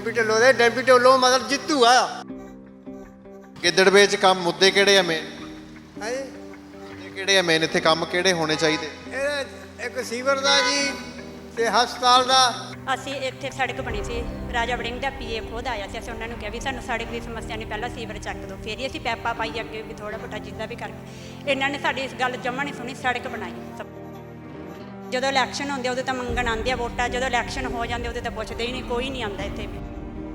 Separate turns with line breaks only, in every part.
ਡੈਂਪੀ ਢਿੱਲੋਂ ਦੇ। ਡੈਂਪੀ ਢਿੱਲੋਂ ਮਤਲਬ ਜਿੱਤੂ ਆ।
ਗਿੱਦੜਵੇ 'ਚ ਕੰਮ ਮੁੱਦੇ ਕਿਹੜੇ ਆ ਮੇਨ?
ਹੈ ਜੀ,
ਮੁੱਦੇ ਕਿਹੜੇ ਆ ਮੇਨ? ਇੱਥੇ ਕੰਮ ਕਿਹੜੇ ਹੋਣੇ ਚਾਹੀਦੇ?
ਇਹ ਇੱਕ ਸੀਵਰ ਦਾ ਜੀ ਤੇ ਹਸਪਤਾਲ ਦਾ।
ਅਸੀਂ ਇੱਥੇ ਸੜਕ ਬਣੀ ਸੀ, ਰਾਜਾ ਵੜਿੰਗ ਦਾ ਪੀਏ ਖੁਦ ਆਇਆ ਸੀ। ਅਸੀਂ ਉਹਨਾਂ ਨੂੰ ਕਿਹਾ ਵੀ ਸਾਨੂੰ ਸੜਕ ਦੀ ਸਮੱਸਿਆ ਨਹੀਂ, ਪਹਿਲਾਂ ਸੀਵਰ ਚੱਕ ਦਿਓ, ਫਿਰ ਹੀ ਅਸੀਂ ਪੈਪਾ ਪਾਈ ਅੱਗੇ ਵੀ ਥੋੜ੍ਹਾ ਬਹੁਤਾ ਜਿੱਦਾਂ ਵੀ ਕਰਕੇ। ਇਹਨਾਂ ਨੇ ਸਾਡੀ ਇਸ ਗੱਲ ਜਮ੍ਹਾਂ ਨਹੀਂ ਸੁਣੀ, ਸੜਕ ਬਣਾਈ ਸਭ। ਜਦੋਂ ਇਲੈਕਸ਼ਨ ਹੁੰਦੇ ਉਦੋਂ ਤਾਂ ਮੰਗਣ ਆਉਂਦੇ ਆ ਵੋਟਾਂ, ਜਦੋਂ ਇਲੈਕਸ਼ਨ ਹੋ ਜਾਂਦੇ ਉਦੋਂ ਤਾਂ ਪੁੱਛਦੇ ਹੀ ਨਹੀਂ, ਕੋਈ ਨਹੀਂ ਆਉਂਦਾ ਇੱਥੇ ਵੀ।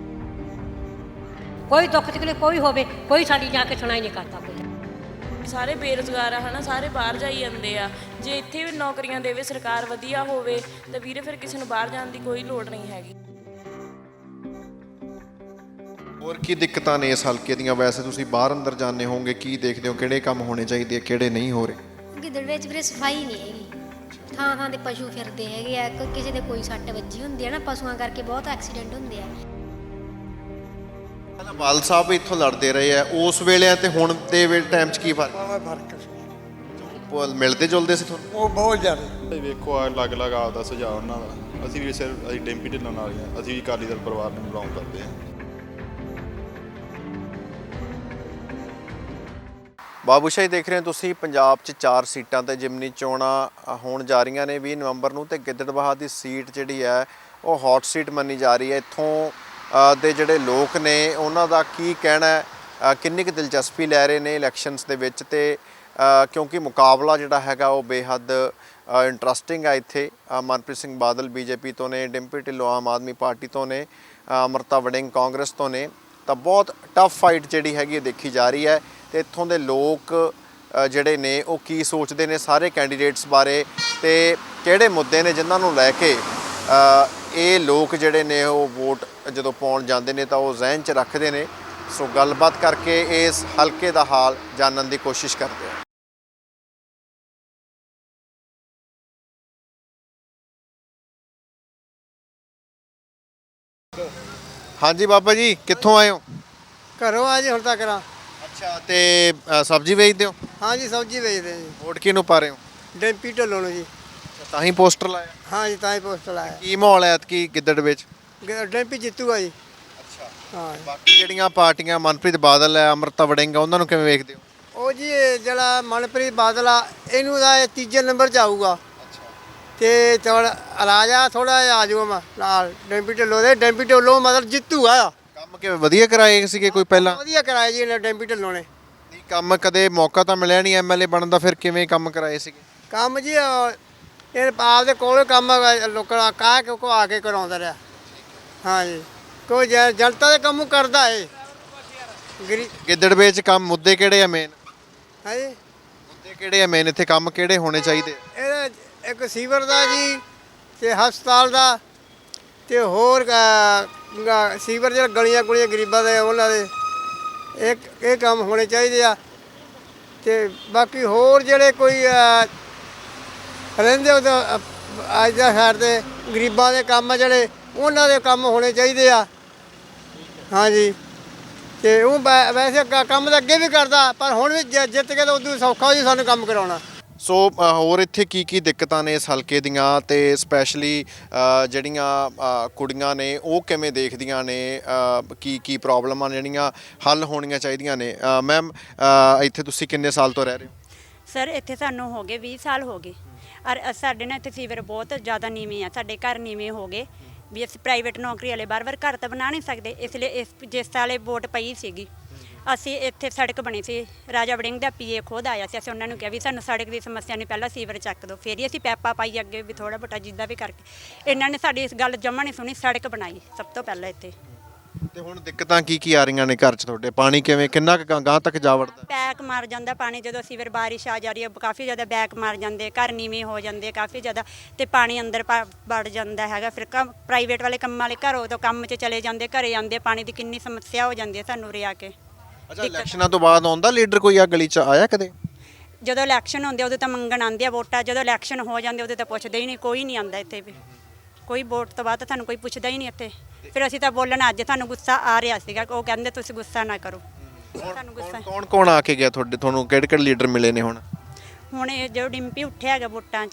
ਕੋਈ ਦੁੱਖ ਤਕਲੀਫ ਕੋਈ ਹੋਵੇ, ਕੋਈ ਸਾਡੀ ਜਾ ਕੇ ਸੁਣਾਈ ਨਹੀਂ ਕਰਦਾ ਕੋਈ।
ਸਾਰੇ ਬੇਰੁਜ਼ਗਾਰ ਆ ਹਨਾ, ਸਾਰੇ ਬਾਹਰ ਜਾਈ ਜਾਂਦੇ ਆ। ਜੇ ਇੱਥੇ ਵੀ ਨੌਕਰੀਆਂ ਦੇਵੇ ਸਰਕਾਰ, ਵਧੀਆ ਹੋਵੇ ਤਾਂ ਵੀਰੇ ਫਿਰ ਕਿਸੇ ਨੂੰ ਬਾਹਰ ਜਾਣ ਦੀ ਕੋਈ ਲੋੜ ਨਹੀਂ ਹੈਗੀ।
ਹੋਰ ਕੀ ਦਿੱਕਤਾਂ ਨੇ ਇਸ ਹਲਕੇ ਦੀਆਂ? ਵੈਸੇ ਤੁਸੀਂ ਬਾਹਰ ਅੰਦਰ ਜਾਂਦੇ ਹੋਵੋਗੇ, ਕੀ ਦੇਖਦੇ ਹੋ ਕਿਹੜੇ ਕੰਮ ਹੋਣੇ ਚਾਹੀਦੇ ਆ, ਕਿਹੜੇ ਨਹੀਂ ਹੋ ਰਹੇ?
ਗਿੱਦੜਵੇ ਵਿੱਚ ਵੀਰੇ ਸਫਾਈ ਨਹੀਂ ਹੈਗੀ, ਥਾਂ ਥਾਂ ਤੇ ਪਸ਼ੂ ਫਿਰਦੇ ਹੈਗੇ ਆ, ਕਿਸੇ ਦੇ ਕੋਈ ਸੱਟ ਵੱਜੀ ਹੁੰਦੀ ਹੈ ਨਾ, ਪਸ਼ੂਆਂ ਕਰਕੇ ਬਹੁਤ ਐਕਸੀਡੈਂਟ ਹੁੰਦੇ ਆ।
ਬਾਲ ਸਾਹਿਬ ਵੀ ਇੱਥੋਂ ਲੜਦੇ ਰਹੇ ਆ, ਉਸ ਵੇਲੇ ਤੇ ਹੁਣ ਦੇ ਟਾਈਮ 'ਚ ਕੀ ਫਰਕ?
ਫਰਕ
ਮਿਲਦੇ ਜੁਲਦੇ ਸੀ ਤੁਹਾਨੂੰ?
ਉਹ ਬਹੁਤ ਜ਼ਿਆਦਾ।
ਵੇਖੋ ਅਲੱਗ-ਅਲੱਗ ਆਪਦਾ ਸੁਝਾਅ ਉਹਨਾਂ ਦਾ। ਅਸੀਂ ਵੀ ਸਿਰਫ ਅਸੀਂ ਡੈਂਪੀ ਢਿੱਲੋਂ ਨਾਲ ਹੀ ਹਾਂ, ਅਸੀਂ ਵੀ ਅਕਾਲੀ ਦਲ ਪਰਿਵਾਰ ਨੂੰ ਬਿਲੋਂਗ ਕਰਦੇ ਹਾਂ।
ਬਾਬੂ ਸ਼ਾਹੀ ਦੇਖ ਰਹੇ ਹੋ ਤੁਸੀਂ। ਪੰਜਾਬ 'ਚ 4 ਸੀਟਾਂ ਤੇ ਜਿਮਨੀ ਚੋਣਾਂ ਹੋਣ ਜਾ ਰਹੀਆਂ ਨੇ 20 ਨਵੰਬਰ ਨੂੰ, ਤੇ ਗਿੱਦੜਬਾਹਾ ਦੀ ਸੀਟ ਜਿਹੜੀ ਹੈ ਉਹ ਹੌਟ ਸੀਟ ਮੰਨੀ ਜਾ ਰਹੀ ਹੈ। ਇੱਥੋਂ ਦੇ ਜਿਹੜੇ ਲੋਕ ਨੇ ਉਹਨਾਂ ਦਾ ਕੀ ਕਹਿਣਾ ਹੈ, ਕਿੰਨੀ ਕੁ ਦਿਲਚਸਪੀ ਲੈ ਰਹੇ ਨੇ ਇਲੈਕਸ਼ਨਸ ਦੇ ਵਿੱਚ, ਤੇ ਕਿਉਂਕਿ ਮੁਕਾਬਲਾ ਜਿਹੜਾ ਹੈਗਾ ਉਹ ਬੇਹੱਦ ਇੰਟਰਸਟਿੰਗ ਹੈ। ਇੱਥੇ ਮਨਪ੍ਰੀਤ ਸਿੰਘ ਬਾਦਲ ਬੀਜੇਪੀ ਤੋਂ ਨੇ, ਡਿੰਪੀ ਢਿੱਲੋਂ ਆਮ ਆਦਮੀ ਪਾਰਟੀ ਤੋਂ ਨੇ, ਅਮਰਤਾ ਵੜਿੰਗ ਕਾਂਗਰਸ ਤੋਂ ਨੇ। ਤਾਂ ਬਹੁਤ ਟਫ ਫਾਈਟ ਜਿਹੜੀ ਹੈਗੀ ਦੇਖੀ ਜਾ ਰਹੀ ਹੈ। ਤੇ ਇੱਥੋਂ ਦੇ ਲੋਕ ਜਿਹੜੇ ਨੇ ਉਹ ਕੀ ਸੋਚਦੇ ਨੇ ਸਾਰੇ ਕੈਂਡੀਡੇਟਸ ਬਾਰੇ, ਤੇ ਕਿਹੜੇ ਮੁੱਦੇ ਨੇ ਜਿਨ੍ਹਾਂ ਨੂੰ ਲੈ ਕੇ ਇਹ ਲੋਕ ਜਿਹੜੇ ਨੇ ਉਹ ਵੋਟ ਜਦੋਂ ਪਾਉਣ ਜਾਂਦੇ ਨੇ ਤਾਂ ਉਹ ਜ਼ਿਹਨ 'ਚ ਰੱਖਦੇ ਨੇ। ਸੋ ਗੱਲਬਾਤ ਕਰਕੇ ਇਸ ਹਲਕੇ ਦਾ ਹਾਲ ਜਾਣਨ ਦੀ ਕੋਸ਼ਿਸ਼ ਕਰਦੇ ਹਾਂ। ਹਾਂਜੀ ਬਾਬਾ ਜੀ, ਕਿੱਥੋਂ ਆਏ ਹੋ?
ਘਰੋਂ ਆ ਜੀ ਹੁਣ ਤੱਕ ਰਾਂ।
ਅੱਛਾ, ਤੇ ਸਬਜ਼ੀ ਵੇਚਦੇ ਹੋ?
ਹਾਂ ਜੀ, ਸਬਜ਼ੀ ਵੇਚਦੇ ਜੀ।
ਵੋਟ ਕਿਹਨੂੰ ਪਾ ਰਹੇ ਹੋ?
ਡੈਂਪੀ ਢਿੱਲੋਂ ਨੂੰ ਜੀ।
ਤਾਂ ਹੀ ਪੋਸਟਰ ਲਾਇਆ?
ਹਾਂ ਜੀ, ਤਾਂ ਹੀ ਪੋਸਟ ਲਾਇਆ।
ਕੀ ਮਾਹੌਲ ਹੈ ਐਤਕੀ ਗਿੱਦੜਵੇ 'ਚ?
ਡੈਂਪੀ ਜਿੱਤੂਗਾ ਜੀ।
ਅੱਛਾ,
ਹਾਂ
ਬਾਕੀ ਜਿਹੜੀਆਂ ਪਾਰਟੀਆਂ ਮਨਪ੍ਰੀਤ ਬਾਦਲ ਹੈ, ਅਮਰਤਾ ਵੜਿੰਗ ਆ, ਉਹਨਾਂ ਨੂੰ ਕਿਵੇਂ ਵੇਖਦੇ ਹੋ?
ਉਹ ਜੀ ਇਹ ਜਿਹੜਾ ਮਨਪ੍ਰੀਤ ਬਾਦਲ ਆ, ਇਹਨੂੰ ਦਾ ਇਹ ਤੀਜੇ ਨੰਬਰ 'ਚ ਆਊਗਾ। ਤੇ ਥੋੜਾ ਰਾਜਾ ਥੋੜਾ ਜਿਹਾ ਆ ਜਾਊਗਾ ਨਾਲ ਡੈਂਪੀ ਢਿੱਲੋਂ ਦੇ। ਡੈਂਪੀ ਢਿੱਲੋਂ ਮਤਲਬ ਜਿੱਤੂਗਾ।
ਕੰਮ ਕਿਵੇਂ ਵਧੀਆ ਕਰਾਏ ਸੀਗੇ ਕੋਈ ਪਹਿਲਾਂ?
ਵਧੀਆ ਕਰਾਇਆ ਜੀ ਇਹਨੇ ਡੈਂਪੀ ਢਿੱਲੋਂ ਨੇ।
ਨਹੀਂ, ਕੰਮ ਕਦੇ ਮੌਕਾ ਤਾਂ ਮਿਲਿਆ ਨਹੀਂ ਐਮਐਲਏ ਬਣਨ ਦਾ, ਫਿਰ ਕਿਵੇਂ ਕੰਮ ਕਰਾਏ ਸੀਗੇ?
ਕੰਮ ਜੀ ਇਹ ਆਪਦੇ ਕੋਲ ਕੰਮ ਲੋਕਾਂ ਕਾਹ ਕੋ ਆ ਕੇ ਕਰਾਉਂਦਾ ਰਿਹਾ। ਹਾਂ ਜੀ, ਕੋਈ ਜਨਤਾ ਦੇ ਕੰਮ ਕਰਦਾ ਏ।
ਗਿੱਦੜਵੇ 'ਚ ਕੰਮ ਮੁੱਦੇ ਕਿਹੜੇ ਆ ਮੇਨ?
ਹੈ ਜੀ,
ਮੁੱਦੇ ਕਿਹੜੇ ਆ ਮੇਨ? ਇੱਥੇ ਕੰਮ ਕਿਹੜੇ ਹੋਣੇ ਚਾਹੀਦੇ?
ਇਹ ਇੱਕ ਸੀਵਰ ਦਾ ਜੀ ਤੇ ਹਸਪਤਾਲ ਦਾ, ਤੇ ਹੋਰ ਸੀਵਰ ਜਿਹੜਾ ਗਲੀਆਂ ਗੁਲੀਆਂ ਗਰੀਬਾਂ ਦੇ ਉਹਨਾਂ ਦੇ ਇਹ ਕੰਮ ਹੋਣੇ ਚਾਹੀਦੇ ਆ। ਤੇ ਬਾਕੀ ਹੋਰ ਜਿਹੜੇ ਕੋਈ ਰਹਿੰਦੇ ਉਹ ਅੱਜ ਦਾ ਸਾਈਡ 'ਤੇ ਗਰੀਬਾਂ ਦੇ ਕੰਮ ਆ ਜਿਹੜੇ, ਉਹਨਾਂ ਦੇ ਕੰਮ ਹੋਣੇ ਚਾਹੀਦੇ ਆ। ਹਾਂਜੀ, ਤੇ ਉਹ ਵੈਸੇ ਕੰਮ ਤਾਂ ਅੱਗੇ ਵੀ ਕਰਦਾ, ਪਰ ਹੁਣ ਵੀ ਜਿੱਤ ਕੇ ਤਾਂ ਉਦੋਂ ਸੌਖਾ ਜੀ ਸਾਨੂੰ ਕੰਮ ਕਰਾਉਣਾ।
ਸੋ ਹੋਰ ਇੱਥੇ ਕੀ ਕੀ ਦਿੱਕਤਾਂ ਨੇ ਇਸ ਹਲਕੇ ਦੀਆਂ, ਤੇ ਸਪੈਸ਼ਲੀ ਜਿਹੜੀਆਂ ਕੁੜੀਆਂ ਨੇ ਉਹ ਕਿਵੇਂ ਦੇਖਦੀਆਂ ਨੇ, ਕੀ ਪ੍ਰੋਬਲਮਾਂ ਜਿਹੜੀਆਂ ਹੱਲ ਹੋਣੀਆਂ ਚਾਹੀਦੀਆਂ ਨੇ? ਮੈਮ, ਇੱਥੇ ਤੁਸੀਂ ਕਿੰਨੇ ਸਾਲ ਤੋਂ ਰਹਿ ਰਹੇ ਹੋ?
ਸਰ ਇੱਥੇ ਸਾਨੂੰ ਹੋ ਗਏ 20 ਸਾਲ ਹੋ ਗਏ। ਔਰ ਸਾਡੇ ਨਾਲ ਇੱਥੇ ਸੀਵਰ ਬਹੁਤ ਜ਼ਿਆਦਾ ਨੀਵੇਂ ਆ, ਸਾਡੇ ਘਰ ਨੀਵੇਂ ਹੋ ਗਏ ਵੀ ਅਸੀਂ ਪ੍ਰਾਈਵੇਟ ਨੌਕਰੀ ਵਾਲੇ ਬਾਰ-ਬਾਰ ਘਰ ਤਾਂ ਬਣਾ ਨਹੀਂ ਸਕਦੇ। ਇਸ ਲਈ ਜਿਸ ਸਾਲੇ ਵੋਟ ਪਈ ਸੀਗੀ, ਅਸੀਂ ਇੱਥੇ ਸੜਕ ਬਣੀ ਸੀ, ਰਾਜਾ ਵੜਿੰਗ ਦਾ ਪੀਏ ਖੁਦ ਆਇਆ ਸੀ। ਅਸੀਂ ਉਹਨਾਂ ਨੂੰ ਕਿਹਾ ਵੀ ਸਾਨੂੰ ਸੜਕ ਦੀ ਸਮੱਸਿਆ ਨਹੀਂ, ਪਹਿਲਾਂ ਸੀਵਰ ਚੱਕ ਦਿਓ, ਫਿਰ ਹੀ ਅਸੀਂ ਪੈਪਾ ਪਾਈ ਅੱਗੇ ਵੀ ਥੋੜ੍ਹਾ ਬਹੁਤਾ ਜਿੱਦਾਂ ਵੀ ਕਰਕੇ। ਇਹਨਾਂ ਨੇ ਸਾਡੀ ਇਸ ਗੱਲ ਜਮ੍ਹਾਂ ਨਹੀਂ ਸੁਣੀ, ਸੜਕ ਬਣਾਈ ਸਭ ਤੋਂ ਪਹਿਲਾਂ ਇੱਥੇ।
ਤੇ ਹੁਣ ਦਿੱਕਤਾਂ ਕੀ ਆ ਰਹੀਆਂ ਨੇ ਘਰ 'ਚ ਤੁਹਾਡੇ? ਪਾਣੀ ਕਿਵੇਂ, ਕਿੰਨਾ ਕੁ ਗਾਂਹ ਤੱਕ ਜਾ ਵੜਦਾ?
ਬੈਕ ਮਾਰ ਜਾਂਦਾ ਪਾਣੀ, ਜਦੋਂ ਸੀਵਰ ਬਾਰਿਸ਼ ਆ ਜਾ ਰਹੀ ਹੈ ਕਾਫੀ ਜ਼ਿਆਦਾ ਬੈਕ ਮਾਰ ਜਾਂਦੇ, ਘਰ ਨੀਵੇਂ ਹੋ ਜਾਂਦੇ ਕਾਫੀ ਜ਼ਿਆਦਾ, ਤੇ ਪਾਣੀ ਅੰਦਰ ਵੜ ਜਾਂਦਾ ਹੈਗਾ। ਫਿਰ ਪ੍ਰਾਈਵੇਟ ਵਾਲੇ ਕੰਮਾਂ ਵਾਲੇ ਘਰੋਂ ਤੋਂ ਕੰਮ 'ਚ ਚਲੇ ਜਾਂਦੇ, ਘਰੇ ਆਉਂਦੇ, ਪਾਣੀ ਦੀ ਕਿੰਨੀ ਸਮੱਸਿਆ ਹੋ ਜਾਂਦੀ ਹੈ ਸਾਨੂੰ ਉਰੇ ਆ ਕੇ।
ਅੱਛਾ, ਇਲੈਕਸ਼ਨਾਂ ਤੋਂ ਬਾਅਦ ਆਉਂਦਾ ਲੀਡਰ ਕੋਈ ਆ ਗਲੀ 'ਚ ਆਇਆ ਕਦੇ?
ਜਦੋਂ ਇਲੈਕਸ਼ਨ ਹੁੰਦੇ ਉਦੋਂ ਤਾਂ ਮੰਗਣ ਆਉਂਦੇ ਆ ਵੋਟਾਂ, ਜਦੋਂ ਇਲੈਕਸ਼ਨ ਹੋ ਜਾਂਦੇ ਉਦੋਂ ਤਾਂ ਪੁੱਛਦੇ ਹੀ ਨਹੀਂ, ਕੋਈ ਨਹੀਂ ਆਉਂਦਾ ਇੱਥੇ ਵੀ। ਕੋਈ ਵੋਟ ਤੋਂ ਬਾਅਦ ਤਾਂ ਤੁਹਾਨੂੰ ਕੋਈ ਪੁੱਛਦਾ ਹੀ ਨਹੀਂ ਇੱਥੇ। ਫਿਰ ਅਸੀਂ ਤਾਂ ਬੋਲਣ, ਅੱਜ ਤੁਹਾਨੂੰ ਗੁੱਸਾ ਆ ਰਿਹਾ ਸੀਗਾ, ਉਹ ਕਹਿੰਦੇ ਤੁਸੀਂ ਗੁੱਸਾ ਨਾ ਕਰੋ। ਤੁਹਾਨੂੰ ਗੁੱਸਾ
ਕੌਣ ਆ ਕੇ ਗਿਆ ਤੁਹਾਡੇ? ਤੁਹਾਨੂੰ ਕਿਹੜੇ ਲੀਡਰ ਮਿਲੇ ਨੇ ਹੁਣ?
ਹੁਣ ਇਹ ਜੋ ਡਿੰਪੀ ਉੱਠਿਆ ਹੈਗਾ ਵੋਟਾਂ 'ਚ,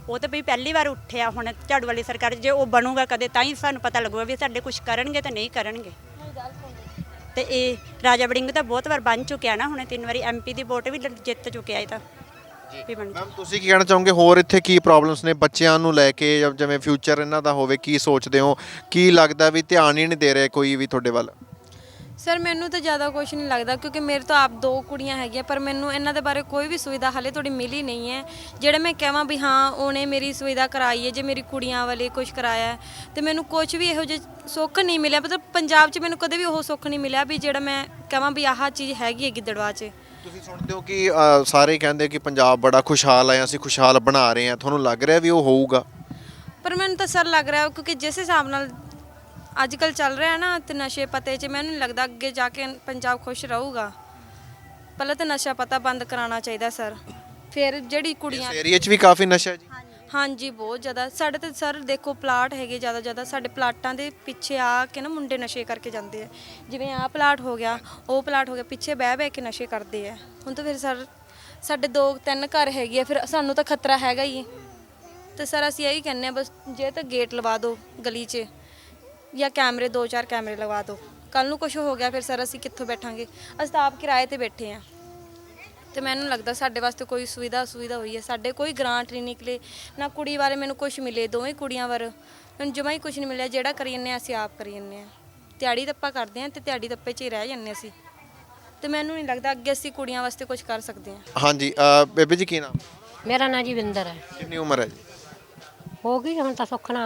ਉਹ ਤਾਂ ਵੀ ਪਹਿਲੀ ਵਾਰ ਉੱਠਿਆ ਹੁਣ ਝਾੜੂ ਵਾਲੀ ਸਰਕਾਰ, ਜੇ ਉਹ ਬਣੂਗਾ ਕਦੇ ਤਾਂ ਹੀ ਸਾਨੂੰ ਪਤਾ ਲੱਗੂਗਾ ਵੀ ਸਾਡੇ ਕੁਝ ਕਰਨਗੇ ਤਾਂ ਨਹੀਂ ਕਰਨਗੇ। ਤੇ ਇਹ ਰਾਜਾ ਵੜਿੰਗ ਤਾਂ ਬਹੁਤ ਵਾਰ ਬਣ ਚੁੱਕਿਆ ਨਾ, ਹੁਣ 3 ਵਾਰੀ MP ਦੀ ਵੋਟ ਵੀ ਜਿੱਤ ਚੁੱਕਿਆ ਇਹ ਤਾਂ ਵੀ ਬਣ
ਮੈਮ ਤੁਸੀਂ ਕੀ ਕਹਿਣਾ ਚਾਹੋਗੇ, ਹੋਰ ਇੱਥੇ ਕੀ ਪ੍ਰੋਬਲਮਸ ਨੇ ਬੱਚਿਆਂ ਨੂੰ ਲੈ ਕੇ, ਜਾਂ ਜਿਵੇਂ ਫਿਊਚਰ ਇਹਨਾਂ ਦਾ ਹੋਵੇ, ਕੀ ਸੋਚਦੇ ਹੋ? ਕੀ ਲੱਗਦਾ ਵੀ ਧਿਆਨ ਹੀ ਨਹੀਂ ਦੇ ਰਿਹਾ ਕੋਈ ਵੀ ਤੁਹਾਡੇ ਵੱਲ?
ਸਰ ਮੈਨੂੰ ਤਾਂ ਜ਼ਿਆਦਾ ਕੁਝ ਨਹੀਂ ਲੱਗਦਾ, ਕਿਉਂਕਿ ਮੇਰੇ ਤਾਂ ਆਪ 2 ਕੁੜੀਆਂ ਹੈਗੀਆਂ, ਪਰ ਮੈਨੂੰ ਇਹਨਾਂ ਦੇ ਬਾਰੇ ਕੋਈ ਵੀ ਸੁਵਿਧਾ ਹਾਲੇ ਥੋੜੀ ਮਿਲੀ ਨਹੀਂ ਹੈ। ਜਿਹੜੇ ਮੈਂ ਕਹਾਂ ਵੀ ਹਾਂ ਉਹਨੇ ਮੇਰੀ ਸੁਵਿਧਾ ਕਰਾਈ ਹੈ, ਜੇ ਮੇਰੀ ਕੁੜੀਆਂ ਵਾਲੇ ਕੁਝ ਕਰਾਇਆ ਹੈ, ਤੇ ਮੈਨੂੰ ਕੁਝ ਵੀ ਇਹੋ ਜਿਹਾ ਸੁੱਖ ਨਹੀਂ ਮਿਲਿਆ। ਮਤਲਬ ਪੰਜਾਬ 'ਚ ਮੈਨੂੰ ਕਦੇ ਵੀ ਉਹ ਸੁੱਖ ਨਹੀਂ ਮਿਲਿਆ ਵੀ ਜਿਹੜਾ ਮੈਂ ਕਹਾਂ ਵੀ ਆਹ ਚੀਜ਼ ਹੈਗੀ ਹੈ ਗਿੱਦੜਵਾ 'ਚ।
ਤੁਸੀਂ ਸੁਣਦੇ ਹੋ ਕਿ ਸਾਰੇ ਕਹਿੰਦੇ ਕਿ ਪੰਜਾਬ ਬੜਾ ਖੁਸ਼ਹਾਲ ਹੈ, ਅਸੀਂ ਖੁਸ਼ਹਾਲ ਬਣਾ ਰਹੇ ਹਾਂ, ਤੁਹਾਨੂੰ ਲੱਗ ਰਿਹਾ ਵੀ ਉਹ ਹੋਊਗਾ?
ਪਰ ਮੈਨੂੰ ਤਾਂ ਸਰ ਲੱਗ ਰਿਹਾ, ਕਿਉਂਕਿ ਜਿਸ ਹਿਸਾਬ ਨਾਲ ਅੱਜ ਕੱਲ੍ਹ ਚੱਲ ਰਿਹਾ ਨਾ ਤੇ ਨਸ਼ੇ ਪਤੇ 'ਚ, ਮੈਨੂੰ ਨਹੀਂ ਲੱਗਦਾ ਅੱਗੇ ਜਾ ਕੇ ਪੰਜਾਬ ਖੁਸ਼ ਰਹੂਗਾ। ਪਹਿਲਾਂ ਤਾਂ ਨਸ਼ਾ ਪਤਾ ਬੰਦ ਕਰਾਉਣਾ ਚਾਹੀਦਾ ਸਰ, ਫਿਰ ਜਿਹੜੀ ਕੁੜੀਆਂ
ਇਸ ਏਰੀਆ 'ਚ ਵੀ ਕਾਫੀ ਨਸ਼ਾ ਹੈ ਜੀ।
ਹਾਂਜੀ ਬਹੁਤ ਜ਼ਿਆਦਾ। ਸਾਡੇ ਤੇ ਸਰ ਦੇਖੋ ਪਲਾਟ ਹੈਗੇ ਜ਼ਿਆਦਾ, ਸਾਡੇ ਪਲਾਟਾਂ ਦੇ ਪਿੱਛੇ ਆ ਕੇ ਨਾ ਮੁੰਡੇ ਨਸ਼ੇ ਕਰਕੇ ਜਾਂਦੇ ਆ। ਜਿਵੇਂ ਆਹ ਪਲਾਟ ਹੋ ਗਿਆ, ਉਹ ਪਲਾਟ ਹੋ ਗਿਆ, ਪਿੱਛੇ ਬਹਿ ਕੇ ਨਸ਼ੇ ਕਰਦੇ ਆ। ਹੁਣ ਤਾਂ ਫਿਰ ਸਰ ਸਾਡੇ 2-3 ਘਰ ਹੈਗੇ ਆ, ਫਿਰ ਸਾਨੂੰ ਤਾਂ ਖਤਰਾ ਹੈਗਾ ਹੀ। ਤੇ ਸਰ ਅਸੀਂ ਇਹੀ ਕਹਿੰਦੇ ਆ ਬਸ ਜੇ ਤਾਂ ਗੇਟ ਲਵਾ ਦਿਓ ਗਲੀ 'ਚ, ਜਾਂ ਕੈਮਰੇ 2-4 ਕੈਮਰੇ ਲਗਵਾ ਦਿਓ। ਕੱਲ ਨੂੰ ਕੁਝ ਹੋ ਗਿਆ ਫਿਰ ਸਰ ਅਸੀਂ ਕਿੱਥੋਂ ਬੈਠਾਂਗੇ? ਅਸੀਂ ਤਾਂ ਆਪ ਕਿਰਾਏ ਤੇ ਬੈਠੇ ਆ। ਤੇ ਮੈਨੂੰ ਲੱਗਦਾ ਸਾਡੇ ਵਾਸਤੇ ਕੋਈ ਸੁਵਿਧਾ ਹੋਈ ਹੈ, ਸਾਡੇ ਕੋਈ ਗ੍ਰਾਂਟ ਨਹੀਂ ਨਿਕਲੇ, ਨਾ ਕੁੜੀ ਬਾਰੇ ਮੈਨੂੰ ਕੁਝ ਮਿਲੇ, ਦੋਵੇਂ ਕੁੜੀਆਂ ਬਾਰੇ ਮੈਨੂੰ ਜਮਾ ਹੀ ਕੁਝ ਨਹੀਂ ਮਿਲਿਆ। ਜਿਹੜਾ ਕਰੀ ਜੰਨੇ ਅਸੀਂ ਆਪ ਕਰੀ ਜੰਨੇ ਆ, ਦਿਹਾੜੀ ਦੱਪਾ ਕਰਦੇ ਆ ਤੇ ਦਿਹਾੜੀ ਦੱਪੇ 'ਚ ਹੀ ਰਹਿ ਜੰਨੇ ਅਸੀਂ। ਤੇ ਮੈਨੂੰ ਨਹੀਂ ਲੱਗਦਾ ਅੱਗੇ ਅਸੀਂ ਕੁੜੀਆਂ ਵਾਸਤੇ ਕੁਝ ਕਰ ਸਕਦੇ ਹਾਂ।
ਹਾਂਜੀ ਬੇਬੇ ਜੀ ਕੀ ਨਾਮ?
ਮੇਰਾ ਨਾਂ ਜੀ ਵਿੰਦਰ ਹੈ।
ਕਿੰਨੀ ਉਮਰ ਹੈ ਜੀ?
ਹੋ ਗਈ ਹੁਣ ਤਾਂ ਸੁੱਖਣਾ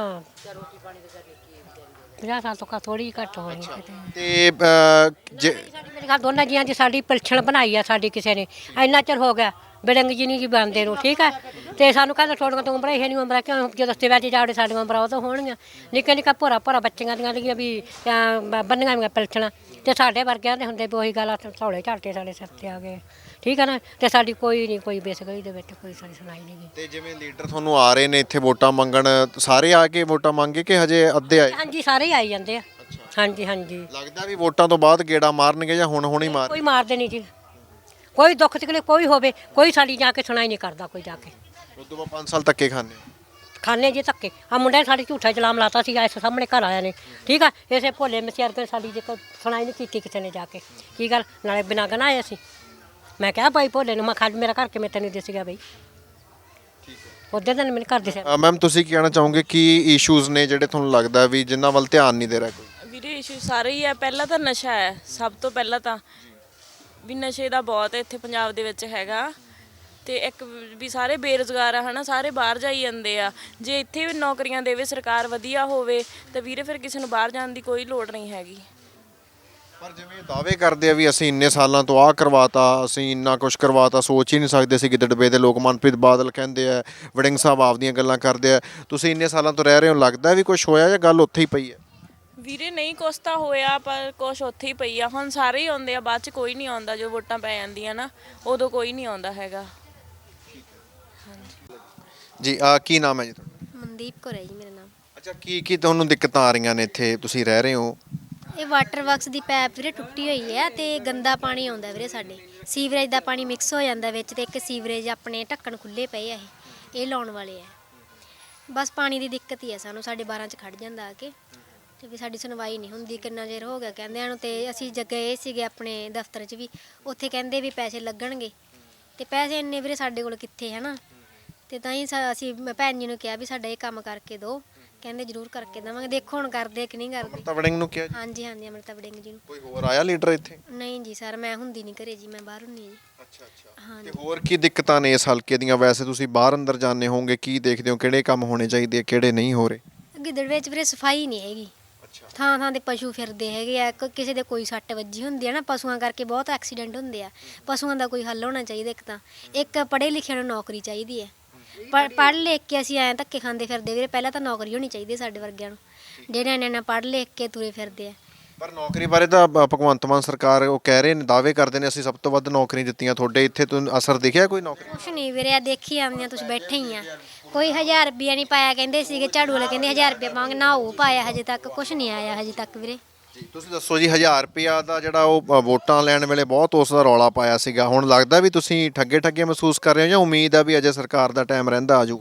50 ਸਾਲ ਤੋਂ ਥੋੜੀ ਘੱਟ ਹੋਣੀ ਕਿਤੇ।
ਤੇ ਜੇ
ਮੇਰੇ ਘਰ ਦੋਨਾਂ ਜੀਆਂ ਦੀ ਸਾਡੀ ਪਿਲਛਣ ਬਣਾਈ ਆ ਸਾਡੀ ਕਿਸੇ ਨੇ, ਇੰਨਾ ਚਿਰ ਹੋ ਗਿਆ ਬਿਲੰਗ ਜੀ ਨਹੀਂ ਕੀ ਬਣਦੇ ਨੂੰ, ਠੀਕ ਹੈ। ਤੇ ਸਾਨੂੰ ਕਹਿੰਦਾ ਥੋੜੀਆਂ ਤੋਂ ਉਮਰਾਂ ਇਹ ਨਹੀਂ ਉਮਰਾਂ, ਕਿਉਂ ਜਦੋਂ ਸਿਵਿਆਂ 'ਚ ਜਾੜੇ ਸਾਡੀਆਂ ਉਮਰਾਂ ਉਹ ਤਾਂ ਹੋਣਗੀਆਂ। ਨਿੱਕਾ ਭੋਰਾ ਬੱਚੀਆਂ ਦੀਆਂ ਲਿਖੀਆਂ ਵੀ ਬੰਨੀਆਂ ਵੀਆਂ ਪਿਲਛਣਾਂ, ਤੇ ਸਾਡੇ ਵਰਗਿਆਂ ਦੇ ਹੁੰਦੇ ਵੀ ਉਹੀ ਗੱਲ ਥੋੜੇ ਝਾਟੇ ਸਾਡੇ ਸਿਰ ਤੇ ਆ ਗਏ, ਠੀਕ ਹੈ ਨਾ। ਤੇ ਸਾਡੀ ਕੋਈ ਬੇਸਗਲੀ ਦੇ ਵਿੱਚ ਕੋਈ ਸਾਡੀ ਸੁਣਾਈ ਨਹੀਂ ਗਈ।
ਤੇ ਜਿਵੇਂ ਲੀਡਰ ਤੁਹਾਨੂੰ ਆ ਰਹੇ ਨੇ ਇੱਥੇ ਵੋਟਾਂ ਮੰਗਣ, ਸਾਰੇ ਆ ਕੇ ਵੋਟਾਂ ਮੰਗੇ ਕਿ ਹਜੇ ਅੱਧੇ ਆਏ?
ਹਾਂਜੀ ਸਾਰੇ ਹੀ ਆਈ ਜਾਂਦੇ ਆ। ਹਾਂਜੀ
ਲੱਗਦਾ ਵੀ ਵੋਟਾਂ ਤੋਂ ਬਾਅਦ ਗੇੜਾ ਮਾਰਨਗੇ ਜਾਂ ਹੁਣ ਹੀ ਮਾਰ?
ਕੋਈ ਮਾਰਦੇ ਨਹੀਂ ਜੀ, ਕੋਈ ਦੁੱਖ ਤਕਲੀਫ ਕੋਈ ਹੋਵੇ, ਕੋਈ ਸਾਡੀ ਜਾ ਕੇ ਸੁਣਾਈ ਨਹੀਂ ਕਰਦਾ ਕੋਈ ਜਾ ਕੇ।
ਉਦੋਂ ਬਾਅਦ 5 ਸਾਲ ਧੱਕੇ ਖਾਣੇ
ਜੀ ਧੱਕੇ। ਆ ਮੁੰਡੇ ਨੇ ਸਾਡੀ ਝੂਠਾ ਇਲਜ਼ਾਮ ਲਾਤਾ ਸੀ ਇਸ ਸਾਹਮਣੇ ਘਰ ਆਇਆ ਨੇ, ਠੀਕ ਆ। ਇਸੇ ਭੋਲੇ ਮਸਿਆਰ ਕੇ ਸਾਡੀ ਜੇ ਸੁਣਾਈ ਨਹੀਂ ਕੀਤੀ ਕਿਸੇ ਨੇ ਜਾ ਕੇ। ਕੀ ਗੱਲ ਨਾਲੇ ਬਿਨਾਂ ਗਨਾ ਆਏ ਅਸੀਂ। ਮੈਂ ਕਿਹਾ ਭਾਈ ਭੋਲੇ ਨੂੰ, ਮੈਂ ਖਾਲੀ ਮੇਰਾ ਘਰ ਕਿਵੇਂ ਤੈਨੂੰ ਦਿਸ ਗਿਆ ਬਈ? ਉਹਦੇ ਦਿਨ ਮੈਨੂੰ ਘਰ ਦਿਸਿਆ।
ਮੈਮ ਤੁਸੀਂ ਕੀ ਕਹਿਣਾ ਚਾਹੋਗੇ, ਕੀ ਇਸ਼ੂਜ਼ ਨੇ ਜਿਹੜੇ ਤੁਹਾਨੂੰ ਲੱਗਦਾ ਵੀ ਜਿਨ੍ਹਾਂ ਵੱਲ ਧਿਆਨ ਨਹੀਂ ਦੇ ਰਿਹਾ ਕੋਈ?
ਵੀਰੇ ਇਸ਼ੂ ਸਾਰੇ ਹੀ ਆ। ਪਹਿਲਾਂ ਤਾਂ ਨਸ਼ਾ ਹੈ, ਸਭ ਤੋਂ ਪਹਿਲਾਂ ਤਾਂ ਵੀ ਨਸ਼ੇ ਦਾ ਬਹੁਤ ਇੱਥੇ ਪੰਜਾਬ ਦੇ ਵਿੱਚ ਹੈਗਾ। ਤੇ ਇੱਕ ਵੀ ਸਾਰੇ ਬੇਰੁਜ਼ਗਾਰ ਆ ਹਨਾ, ਸਾਰੇ ਬਾਹਰ ਜਾਈ ਜਾਂਦੇ ਆ। ਜੇ ਇੱਥੇ ਵੀ ਨੌਕਰੀਆਂ ਦੇਵੇ ਸਰਕਾਰ ਵਧੀਆ ਹੋਵੇ ਤਾਂ ਵੀਰੇ ਫਿਰ ਕਿਸੇ ਨੂੰ ਬਾਹਰ ਜਾਣ ਦੀ ਕੋਈ ਲੋੜ ਨਹੀਂ ਹੈਗੀ।
ਪਰ ਜਿਵੇਂ ਦਾਅਵੇ ਕਰਦੇ ਆ ਵੀ ਅਸੀਂ ਇੰਨੇ ਸਾਲਾਂ ਤੋਂ ਆਹ ਕਰਵਾਤਾ, ਅਸੀਂ ਇੰਨਾ ਕੁਝ ਕਰਵਾਤਾ, ਸੋਚ ਹੀ ਨਹੀਂ ਸਕਦੇ ਸੀ। ਗਿੱਦੜਵੇ ਦੇ ਲੋਕ ਮਨਪ੍ਰੀਤ ਬਾਦਲ ਕਹਿੰਦੇ ਆ, ਵੜਿੰਗ ਸਾਹਿਬ ਆਪਦੀਆਂ ਗੱਲਾਂ ਕਰਦੇ ਆ। ਤੁਸੀਂ ਇੰਨੇ ਸਾਲਾਂ ਤੋਂ ਰਹਿ ਰਹੇ ਹੋ, ਲੱਗਦਾ ਵੀ ਕੁਝ ਹੋਇਆ ਜਾਂ ਗੱਲ ਉੱਥੇ ਹੀ ਪਈ ਹੈ?
ਵੀਰੇ ਨਹੀਂ ਕੁਛ ਤਾਂ ਹੋਇਆ, ਪਰ ਕੁਛ ਉੱਥੇ ਹੀ ਪਈ ਆ। ਹੁਣ ਸਾਰੇ ਹੀ ਆਉਂਦੇ ਆ, ਬਾਅਦ 'ਚ ਕੋਈ ਨਹੀਂ ਆਉਂਦਾ। ਜੋ ਵੋਟਾਂ ਪੈ ਜਾਂਦੀਆਂ ਨਾ ਉਦੋਂ ਕੋਈ ਨਹੀਂ ਆਉਂਦਾ ਹੈਗਾ।
ਜੀ ਕੀ ਨਾਮ ਹੈ ਜੀ ਤੁਹਾਡਾ?
ਮਨਦੀਪ ਕੌਰ ਹੈ ਜੀ ਮੇਰਾ ਨਾਮ।
ਅੱਛਾ, ਕੀ ਤੁਹਾਨੂੰ ਦਿੱਕਤਾਂ ਆ ਰਹੀਆਂ ਨੇ ਇੱਥੇ ਤੁਸੀਂ ਰਹਿ ਰਹੇ ਹੋ?
ਇਹ ਵਾਟਰ ਵਰਕਸ ਦੀ ਪਾਈਪ ਵੀਰੇ ਟੁੱਟੀ ਹੋਈ ਹੈ ਤੇ ਗੰਦਾ ਪਾਣੀ ਆਉਂਦਾ ਵੀਰੇ ਸਾਡੇ। ਸੀਵਰੇਜ ਦਾ ਪਾਣੀ ਮਿਕਸ ਹੋ ਜਾਂਦਾ ਵਿੱਚ, ਤੇ ਇੱਕ ਸੀਵਰੇਜ ਆਪਣੇ ਢੱਕਣ ਖੁੱਲੇ ਪਏ ਆ, ਇਹ ਲਾਉਣ ਵਾਲੇ ਆ। ਬਸ ਪਾਣੀ ਦੀ ਦਿੱਕਤ ਹੀ ਆ ਸਾਨੂੰ, ਸਾਡੇ 12 'ਚ ਖੜ ਜਾਂਦਾ ਆ ਕੇ। ਤੇ ਵੀ ਸਾਡੀ ਸੁਣਵਾਈ ਨਹੀਂ ਹੁੰਦੀ, ਕਿੰਨਾ ਚਿਰ ਹੋ ਗਿਆ ਕਹਿੰਦਿਆਂ ਨੂੰ। ਤੇ ਅਸੀਂ ਗਏ ਸੀਗੇ ਆਪਣੇ ਦਫ਼ਤਰ 'ਚ ਵੀ, ਉੱਥੇ ਕਹਿੰਦੇ ਵੀ ਪੈਸੇ ਲੱਗਣਗੇ, ਤੇ ਪੈਸੇ ਇੰਨੇ ਵੀਰੇ ਸਾਡੇ ਕੋਲ ਕਿੱਥੇ ਹੈ ਨਾ। ਤੇ ਤਾਂ ਹੀ ਅਸੀਂ ਭੈਣ ਜੀ ਨੂੰ ਕਿਹਾ ਵੀ ਸਾਡਾ ਇਹ ਕੰਮ ਕਰਕੇ ਦਿਓ, ਕਹਿੰਦੇ ਜ਼ਰੂਰ ਕਰਕੇ ਦੇਵਾਂਗੇ। ਦੇਖੋ ਹੁਣ ਕਰਦੇ ਕਿ ਨਹੀਂ ਕਰਦੇ।
ਅਮਰਤਾ ਵੜਿੰਗ ਨੂੰ ਕਿਹਾ ਜੀ?
ਹਾਂਜੀ ਅਮਰਤਾ ਵੜਿੰਗ ਜੀ ਨੂੰ।
ਕੋਈ ਹੋਰ ਆਇਆ ਲੀਡਰ ਇੱਥੇ?
ਨਹੀਂ ਜੀ ਸਰ, ਮੈਂ ਹੁੰਦੀ ਨਹੀਂ ਘਰੇ ਜੀ, ਮੈਂ ਬਾਹਰ ਹੁੰਦੀ ਜੀ।
ਅੱਛਾ। ਤੇ ਹੋਰ ਕੀ ਦਿੱਕਤਾਂ ਨੇ ਇਸ ਹਲਕੇ ਦੀਆਂ? ਵੈਸੇ ਤੁਸੀਂ ਬਾਹਰ ਅੰਦਰ ਜਾਂਦੇ ਹੋਵੋਗੇ, ਕੀ ਦੇਖਦੇ ਹੋ ਕਿਹੜੇ ਕੰਮ ਹੋਣੇ ਚਾਹੀਦੇ ਆ, ਕਿਹੜੇ ਨਹੀਂ ਹੋ ਰਹੇ?
ਗਿੱਦੜ ਵਿੱਚ ਵੀਰੇ ਸਫਾਈ ਨਹੀਂ ਹੈਗੀ। ਥਾਂ ਥਾਂ ਦੇ ਪਸ਼ੂ ਫਿਰਦੇ ਹੈਗੇ ਆ, ਕਿਸੇ ਦੇ ਕੋਈ ਸੱਟ ਵੱਜੀ ਹੁੰਦੀ ਹੈ ਨਾ, ਪਸ਼ੂਆਂ ਕਰਕੇ ਬਹੁਤ ਐਕਸੀਡੈਂਟ ਹੁੰਦੇ ਆ। ਪਸ਼ੂਆਂ ਦਾ ਕੋਈ ਹੱਲ ਹੋਣਾ ਚਾਹੀਦਾ। ਇੱਕ ਪੜ੍ਹੇ ਲਿਖੇ ਨੂੰ ਨੌਕਰੀ ਚਾਹੀਦੀ ਹੈ। ਪੜ੍ਹ ਲਿਖ ਕੇ ਅਸੀਂ ਐਂ ਧੱਕੇ ਖਾਂਦੇ ਫਿਰਦੇ ਵੀਰੇ। ਪਹਿਲਾਂ ਤਾਂ ਨੌਕਰੀ ਹੋਣੀ ਚਾਹੀਦੀ ਸਾਡੇ ਵਰਗਿਆਂ ਨੂੰ, ਜਿਹੜੇ ਇੰਨਾ ਪੜ੍ਹ ਲਿਖ ਕੇ ਤੁਰੇ ਫਿਰਦੇ ਆ।
ਪਰ ਨੌਕਰੀ ਬਾਰੇ ਤਾਂ ਭਗਵੰਤ ਮਾਨ ਸਰਕਾਰ ਉਹ ਕਹਿ ਰਹੇ ਨੇ, ਦਾਅਵੇ ਕਰਦੇ ਨੇ ਅਸੀਂ ਸਭ ਤੋਂ ਵੱਧ ਨੌਕਰੀ ਦਿੱਤੀਆਂ। ਤੁਹਾਡੇ ਇੱਥੇ ਤੁਹਾਨੂੰ ਅਸਰ ਦਿਖਿਆ ਕੋਈ ਨੌਕਰੀ?
ਕੁਛ ਨਹੀਂ ਵੀਰੇ, ਆ ਦੇਖੀ ਆਉਂਦੀਆਂ, ਤੁਸੀਂ ਬੈਠੇ ਹੀ ਆ। ਕੋਈ 1000 ਰੁਪਿਆ ਨਹੀਂ ਪਾਇਆ, ਕਹਿੰਦੇ ਸੀਗੇ ਝਾੜੂ ਵਾਲੇ ਕਹਿੰਦੇ 1000 ਰੁਪਇਆ ਪਾਵਾਂਗੇ, ਨਾ ਉਹ ਪਾਇਆ ਹਜੇ ਤੱਕ, ਕੁਛ ਨਹੀਂ ਆਇਆ ਹਜੇ ਤੱਕ ਵੀਰੇ।
ਤੁਸੀਂ ਦੱਸੋ ਜੀ, 1000 ਰੁਪਇਆ ਦਾ ਜਿਹੜਾ ਉਹ ਵੋਟਾਂ ਲੈਣ ਵੇਲੇ ਬਹੁਤ ਉਸ ਦਾ ਰੌਲਾ ਪਾਇਆ ਸੀਗਾ। ਹੁਣ ਲੱਗਦਾ ਵੀ ਤੁਸੀਂ ਠੱਗੇ ਮਹਿਸੂਸ ਕਰ ਰਹੇ ਹੋ ਜਾਂ ਉਮੀਦ ਆ ਵੀ ਅਜੇ ਸਰਕਾਰ ਦਾ ਟਾਈਮ ਰਹਿੰਦਾ ਆ ਜਾਊਗਾ?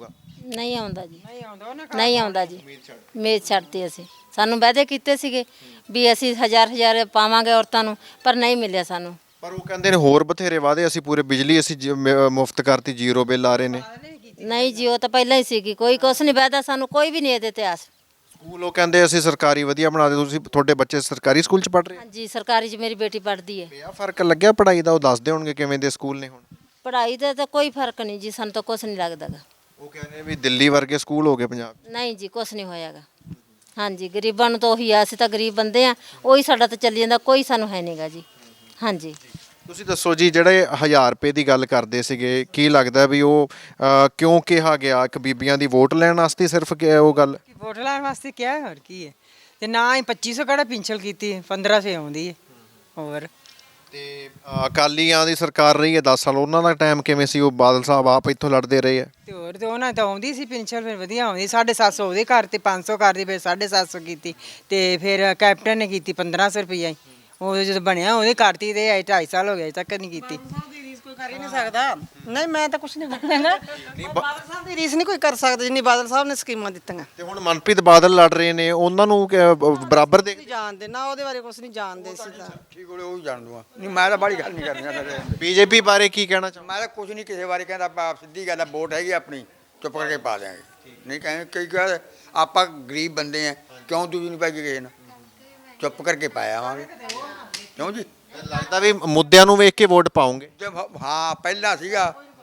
ਨਹੀਂ ਆਉਂਦਾ ਜੀ, ਨਹੀਂ ਆਉਂਦਾ ਜੀ। ਉਮੀਦ ਛੱਡਤੀ ਅਸੀਂ। ਸਾਨੂੰ ਵਾਅਦੇ ਕੀਤੇ ਸੀਗੇ ਵੀ ਅਸੀਂ ਹਜ਼ਾਰ ਪਾਵਾਂਗੇ ਔਰਤਾਂ ਨੂੰ, ਪਰ ਨਹੀਂ ਮਿਲਿਆ ਸਾਨੂੰ।
ਪਰ ਉਹ ਕਹਿੰਦੇ ਨੇ ਹੋਰ ਬਥੇਰੇ ਵਾਅਦੇ, ਅਸੀਂ ਪੂਰੇ ਬਿਜਲੀ ਅਸੀਂ ਮੁਫਤ ਕਰਤੀ, ਜ਼ੀਰੋ ਬਿੱਲ ਆ ਰਹੇ ਨੇ।
ਨਹੀਂ ਜੀ, ਉਹ ਤਾਂ ਪਹਿਲਾਂ ਹੀ ਸੀਗੀ। ਕੋਈ ਕੁਛ ਨਹੀਂ ਵਾਅਦਾ ਸਾਨੂੰ, ਕੋਈ ਵੀ ਨਹੀਂ ਇਹਦੇ ਇਤਿਹਾਸ।
ਸਕੂਲ ਉਹ ਕਹਿੰਦੇ ਅਸੀਂ ਸਰਕਾਰੀ ਵਧੀਆ ਬਣਾ ਦੇ। ਤੁਸੀਂ ਤੁਹਾਡੇ ਬੱਚੇ ਸਰਕਾਰੀ ਸਕੂਲ 'ਚ ਪੜ੍ਹ ਰਹੇ?
ਹਾਂਜੀ, ਸਰਕਾਰੀ 'ਚ ਮੇਰੀ ਬੇਟੀ ਪੜ੍ਹਦੀ ਹੈ।
ਆ ਫਰਕ ਲੱਗਿਆ ਪੜ੍ਹਾਈ ਦਾ? ਉਹ ਦੱਸਦੇ ਹੋਣਗੇ ਕਿਵੇਂ ਦੇ ਸਕੂਲ ਨੇ ਹੁਣ।
ਪੜ੍ਹਾਈ ਦਾ ਤਾਂ ਕੋਈ ਫਰਕ ਨਹੀਂ ਜੀ, ਸਾਨੂੰ ਤਾਂ ਕੁਛ ਨਹੀਂ ਲੱਗਦਾ ਗਾ।
ਉਹ ਕਹਿੰਦੇ ਵੀ ਦਿੱਲੀ ਵਰਗੇ ਸਕੂਲ ਹੋ ਗਏ ਪੰਜਾਬ 'ਚ।
ਨਹੀਂ ਜੀ, ਕੁਛ ਨਹੀਂ ਹੋਇਆਗਾ। ਹਾਂਜੀ, ਗਰੀਬਾਂ ਨੂੰ ਤਾਂ ਉਹੀ ਆ, ਅਸੀਂ ਤਾਂ ਗਰੀਬ ਬੰਦੇ ਆ, ਉਹੀ ਸਾਡਾ ਤਾਂ ਚੱਲੀ ਜਾਂਦਾ, ਕੋਈ ਸਾਨੂੰ ਹੈ ਨਹੀਂਗਾ ਜੀ। ਹਾਂਜੀ,
ਤੁਸੀਂ ਦੱਸੋ ਜੀ, ਜਿਹੜੇ 1000 ਰੁਪਏ ਦੀ ਗੱਲ ਕਰਦੇ ਸੀਗੇ, ਕੀ ਲੱਗਦਾ ਵੀ ਉਹ ਕਿਉਂ ਕਿਹਾ ਗਿਆ? ਇੱਕ ਬੀਬੀਆਂ ਦੀ ਵੋਟ ਲੈਣ ਵਾਸਤੇ ਸਿਰਫ ਉਹ ਗੱਲ?
ਵੋਟ ਲੈਣ ਵਾਸਤੇ ਕਿਹਾ, ਹੋਰ ਕੀ ਹੈ। ਤੇ ਨਾ ਹੀ 2500 ਕਿਹੜਾ ਪਿੰਛਲ ਕੀਤੀ, 1500 ਆਉਂਦੀ ਹੈ। ਹੋਰ
ਤੇ ਅਕਾਲੀਆਂ ਦੀ ਸਰਕਾਰ ਰਹੀ ਹੈ 10 ਸਾਲ, ਉਹਨਾਂ ਦਾ ਟਾਈਮ ਕਿਵੇਂ ਸੀ? ਉਹ ਬਾਦਲ ਸਾਹਿਬ ਆਪ ਇੱਥੋਂ ਲੜਦੇ ਰਹੇ ਆ।
ਤੇ ਹੋਰ ਤੇ ਉਹਨਾਂ ਤਾਂ ਆਉਂਦੀ ਸੀ ਪਿੰਛਲ, ਫਿਰ ਵਧੀਆ ਆਉਂਦੀ। 750 ਉਹਦੇ ਘਰ ਤੇ 500 ਕਰਦੀ, ਫਿਰ 750 ਕੀਤੀ। ਤੇ ਫਿਰ ਕੈਪਟਨ ਨੇ ਕੀਤੀ 1500 ਰੁਪਈਆ ਹੀ। ਉਹ ਜਦੋਂ ਬਣਿਆ ਉਹਦੇ ਕਰਤੀ, ਤੇ 2.5 ਸਾਲ ਹੋ ਗਏ, ਅਜੇ ਤੱਕ ਨਹੀਂ ਕੀਤੀ।
ਕੋਈ ਕਰ ਹੀ ਨਹੀਂ ਸਕਦਾ। ਨਹੀਂ, ਮੈਂ ਤਾਂ ਕੁਝ ਨਹੀਂ ਬੋਲਣਾ। ਬਾਦਲ ਸਾਹਿਬ ਦੀ ਰੀਸ ਨਹੀਂ ਕੋਈ ਕਰ ਸਕਦਾ ਜਿੰਨੀ ਬਾਦਲ ਸਾਹਿਬ ਨੇ ਸਕੀਮਾਂ ਦਿੱਤੀਆਂ।
ਤੇ ਹੁਣ ਮਨਪ੍ਰੀਤ ਬਾਦਲ ਲੜ ਰਹੇ ਨੇ, ਉਹਨਾਂ ਨੂੰ ਬਰਾਬਰ ਦੇ
ਜਾਣਦੇ ਨਾ, ਉਹਦੇ ਬਾਰੇ ਕੁਝ ਨਹੀਂ ਜਾਣਦੇ ਸੀ ਤਾਂ।
ਠੀਕ ਹੋਲੇ ਉਹ ਜਾਣ ਦੂੰਗਾ। ਨਹੀਂ, ਮੈਂ ਤਾਂ ਬੜੀ ਗੱਲ ਨਹੀਂ ਕਰਨੀ।
ਬੀਜੇਪੀ ਬਾਰੇ ਕੀ ਕਹਿਣਾ ਚਾਹੁੰਦੇ?
ਮੈਂ ਤਾਂ ਕੁਝ ਨਹੀਂ ਕਿਸੇ ਬਾਰੇ ਕਹਿੰਦਾ। ਆਪਾਂ ਸਿੱਧੀ ਗੱਲ ਆ, ਵੋਟ ਹੈਗੀ ਆਪਣੀ, ਚੁੱਪ ਕਰਕੇ ਪਾ ਦਿਆਂਗੇ। ਨਹੀਂ ਕਹਿੰਦੇ ਕਈ ਗੱਲ, ਆਪਾਂ ਗਰੀਬ ਬੰਦੇ ਆ, ਕਿਉਂ ਦੂਜੀ ਨਹੀਂ ਪਾਈ ਕਿਸੇ ਨਾਲ? ਚੁੱਪ ਕਰਕੇ ਪਾਇਆ ਆਵਾਂਗੇ, ਕਿਉਂ ਜੀ?
ਲੱਗਦਾ ਵੀ ਮੁੱਦਿਆਂ ਨੂੰ ਵੇਖ ਕੇ ਵੋਟ ਪਾਉਂਗੇ।
ਹਾਂ, ਪਹਿਲਾਂ ਸੀਗਾ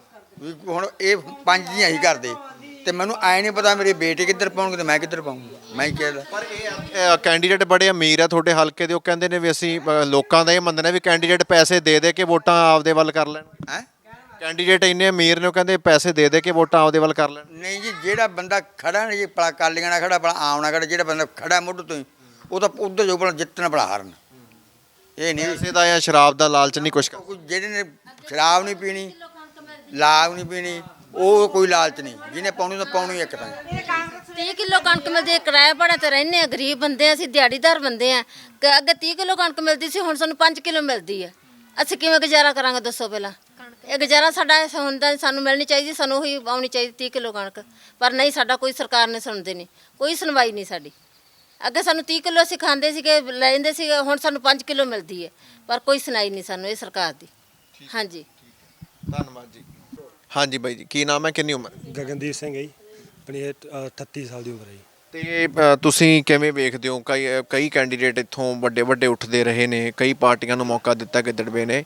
ਵੀ ਹੁਣ ਇਹ 5 ਹੀ ਅਸੀਂ ਕਰਦੇ, ਤੇ ਮੈਨੂੰ ਐ ਨਹੀਂ ਪਤਾ ਮੇਰੇ ਬੇਟੇ ਕਿੱਧਰ ਪਾਉਣਗੇ ਤੇ ਮੈਂ ਕਿੱਧਰ ਪਾਉਂਗਾ। ਮੈਂ ਹੀ ਕਹਿਦਾ।
ਪਰ ਇਹ ਕੈਂਡੀਡੇਟ ਬੜੇ ਅਮੀਰ ਆ ਤੁਹਾਡੇ ਹਲਕੇ ਦੇ, ਉਹ ਕਹਿੰਦੇ ਨੇ ਵੀ ਅਸੀਂ ਲੋਕਾਂ ਦਾ ਇਹ ਮੰਨਣਾ ਵੀ ਕੈਂਡੀਡੇਟ ਪੈਸੇ ਦੇ ਕੇ ਵੋਟਾਂ ਆਪਦੇ ਵੱਲ ਕਰ ਲੈਣ।
ਹੈ
ਕੈਂਡੀਡੇਟ ਇੰਨੇ ਅਮੀਰ ਨੇ, ਉਹ ਕਹਿੰਦੇ ਪੈਸੇ ਦੇ ਕੇ ਵੋਟਾਂ ਆਪਦੇ ਵੱਲ ਕਰ ਲੈਣ।
ਨਹੀਂ ਜੀ, ਜਿਹੜਾ ਬੰਦਾ ਖੜਾ ਨਹੀਂ ਜੀ, ਭਲਾ ਕਾਲੀਆਂ ਨਾਲ ਖੜਾ, ਭਲਾ ਆਮ ਨਾਲ ਖੜਾ, ਜਿਹੜਾ ਬੰਦਾ ਖੜਾ ਮੁੱਢ ਤੋਂ ਹੀ, ਉਹ ਤਾਂ ਉੱਧਰ ਜੋ ਭਲਾ ਜਿੱਤਣਾ ਭਲਾ ਹਾਰਨ। ਇਹ ਨਹੀਂ
ਪੈਸੇ ਦਾ ਜਾਂ ਸ਼ਰਾਬ ਦਾ ਲਾਲਚ ਨਹੀਂ ਕੁਛ ਕਰ।
ਜਿਹੜੇ ਨੇ ਸ਼ਰਾਬ ਨਹੀਂ ਪੀਣੀ, ਲਾਗ ਨਹੀਂ ਪੀਣੀ, ਉਹ ਕੋਈ ਲਾਲਚ ਨਹੀਂ। ਜਿਹਨੇ ਪਾਉਣੀ ਤਾਂ ਪਾਉਣੀ ਇੱਕ ਤਾਂ।
30 ਕਿਲੋ ਕਣਕ ਮਿਲਦੀ, ਕਿਰਾਇਆ ਭਾੜਾ ਤੇ ਰਹਿੰਦੇ ਆ, ਗਰੀਬ ਬੰਦੇ ਆ ਅਸੀਂ, ਦਿਹਾੜੀਦਾਰ ਬੰਦੇ ਆ। ਅੱਗੇ 30 ਕਿਲੋ ਕਣਕ ਮਿਲਦੀ ਸੀ, ਹੁਣ ਸਾਨੂੰ 5 ਕਿਲੋ ਮਿਲਦੀ ਆ। ਅਸੀਂ ਕਿਵੇਂ ਗੁਜ਼ਾਰਾ ਕਰਾਂਗੇ ਦੱਸੋ ਪਹਿਲਾਂ? ਇਹ ਗੁਜ਼ਾਰਾ ਸਾਡਾ ਹੁੰਦਾ, ਸਾਨੂੰ ਮਿਲਣੀ ਚਾਹੀਦੀ, ਸਾਨੂੰ ਉਹੀ ਆਉਣੀ ਚਾਹੀਦੀ 30 ਕਿਲੋ ਕਣਕ। ਪਰ ਨਹੀਂ, ਸਾਡਾ ਕੋਈ ਸਰਕਾਰ ਨੇ ਸੁਣਦੇ ਨਹੀਂ, ਕੋਈ ਸੁਣਵਾਈ ਨਹੀਂ ਸਾਡੀ। ਅੱਗੇ ਸਾਨੂੰ 30 ਕਿਲੋ ਅਸੀਂ ਖਾਂਦੇ ਸੀਗੇ, ਲੈਂਦੇ ਸੀਗੇ, ਹੁਣ ਸਾਨੂੰ 5 ਕਿਲੋ ਮਿਲਦੀ ਹੈ, ਪਰ ਕੋਈ ਸੁਣਾਈ ਨਹੀਂ ਸਾਨੂੰ ਇਹ ਸਰਕਾਰ ਦੀ। ਹਾਂਜੀ,
ਧੰਨਵਾਦ ਜੀ। ਹਾਂਜੀ ਬਾਈ ਜੀ, ਕੀ ਨਾਮ ਹੈ, ਕਿੰਨੀ ਉਮਰ?
ਗਗਨਦੀਪ ਸਿੰਘ ਹੈ ਜੀ, ਆਪਣੀ 38 ਸਾਲ ਦੀ ਉਮਰ ਹੈ ਜੀ।
ਤੇ ਤੁਸੀਂ ਕਿਵੇਂ ਵੇਖਦੇ ਹੋ, ਕਈ ਕੈਂਡੀਡੇਟ ਇੱਥੋਂ ਵੱਡੇ ਵੱਡੇ ਉੱਠਦੇ ਰਹੇ ਨੇ, ਕਈ ਪਾਰਟੀਆਂ ਨੂੰ ਮੌਕਾ ਦਿੱਤਾ ਗਿੱਦੜਵੇ ਨੇ,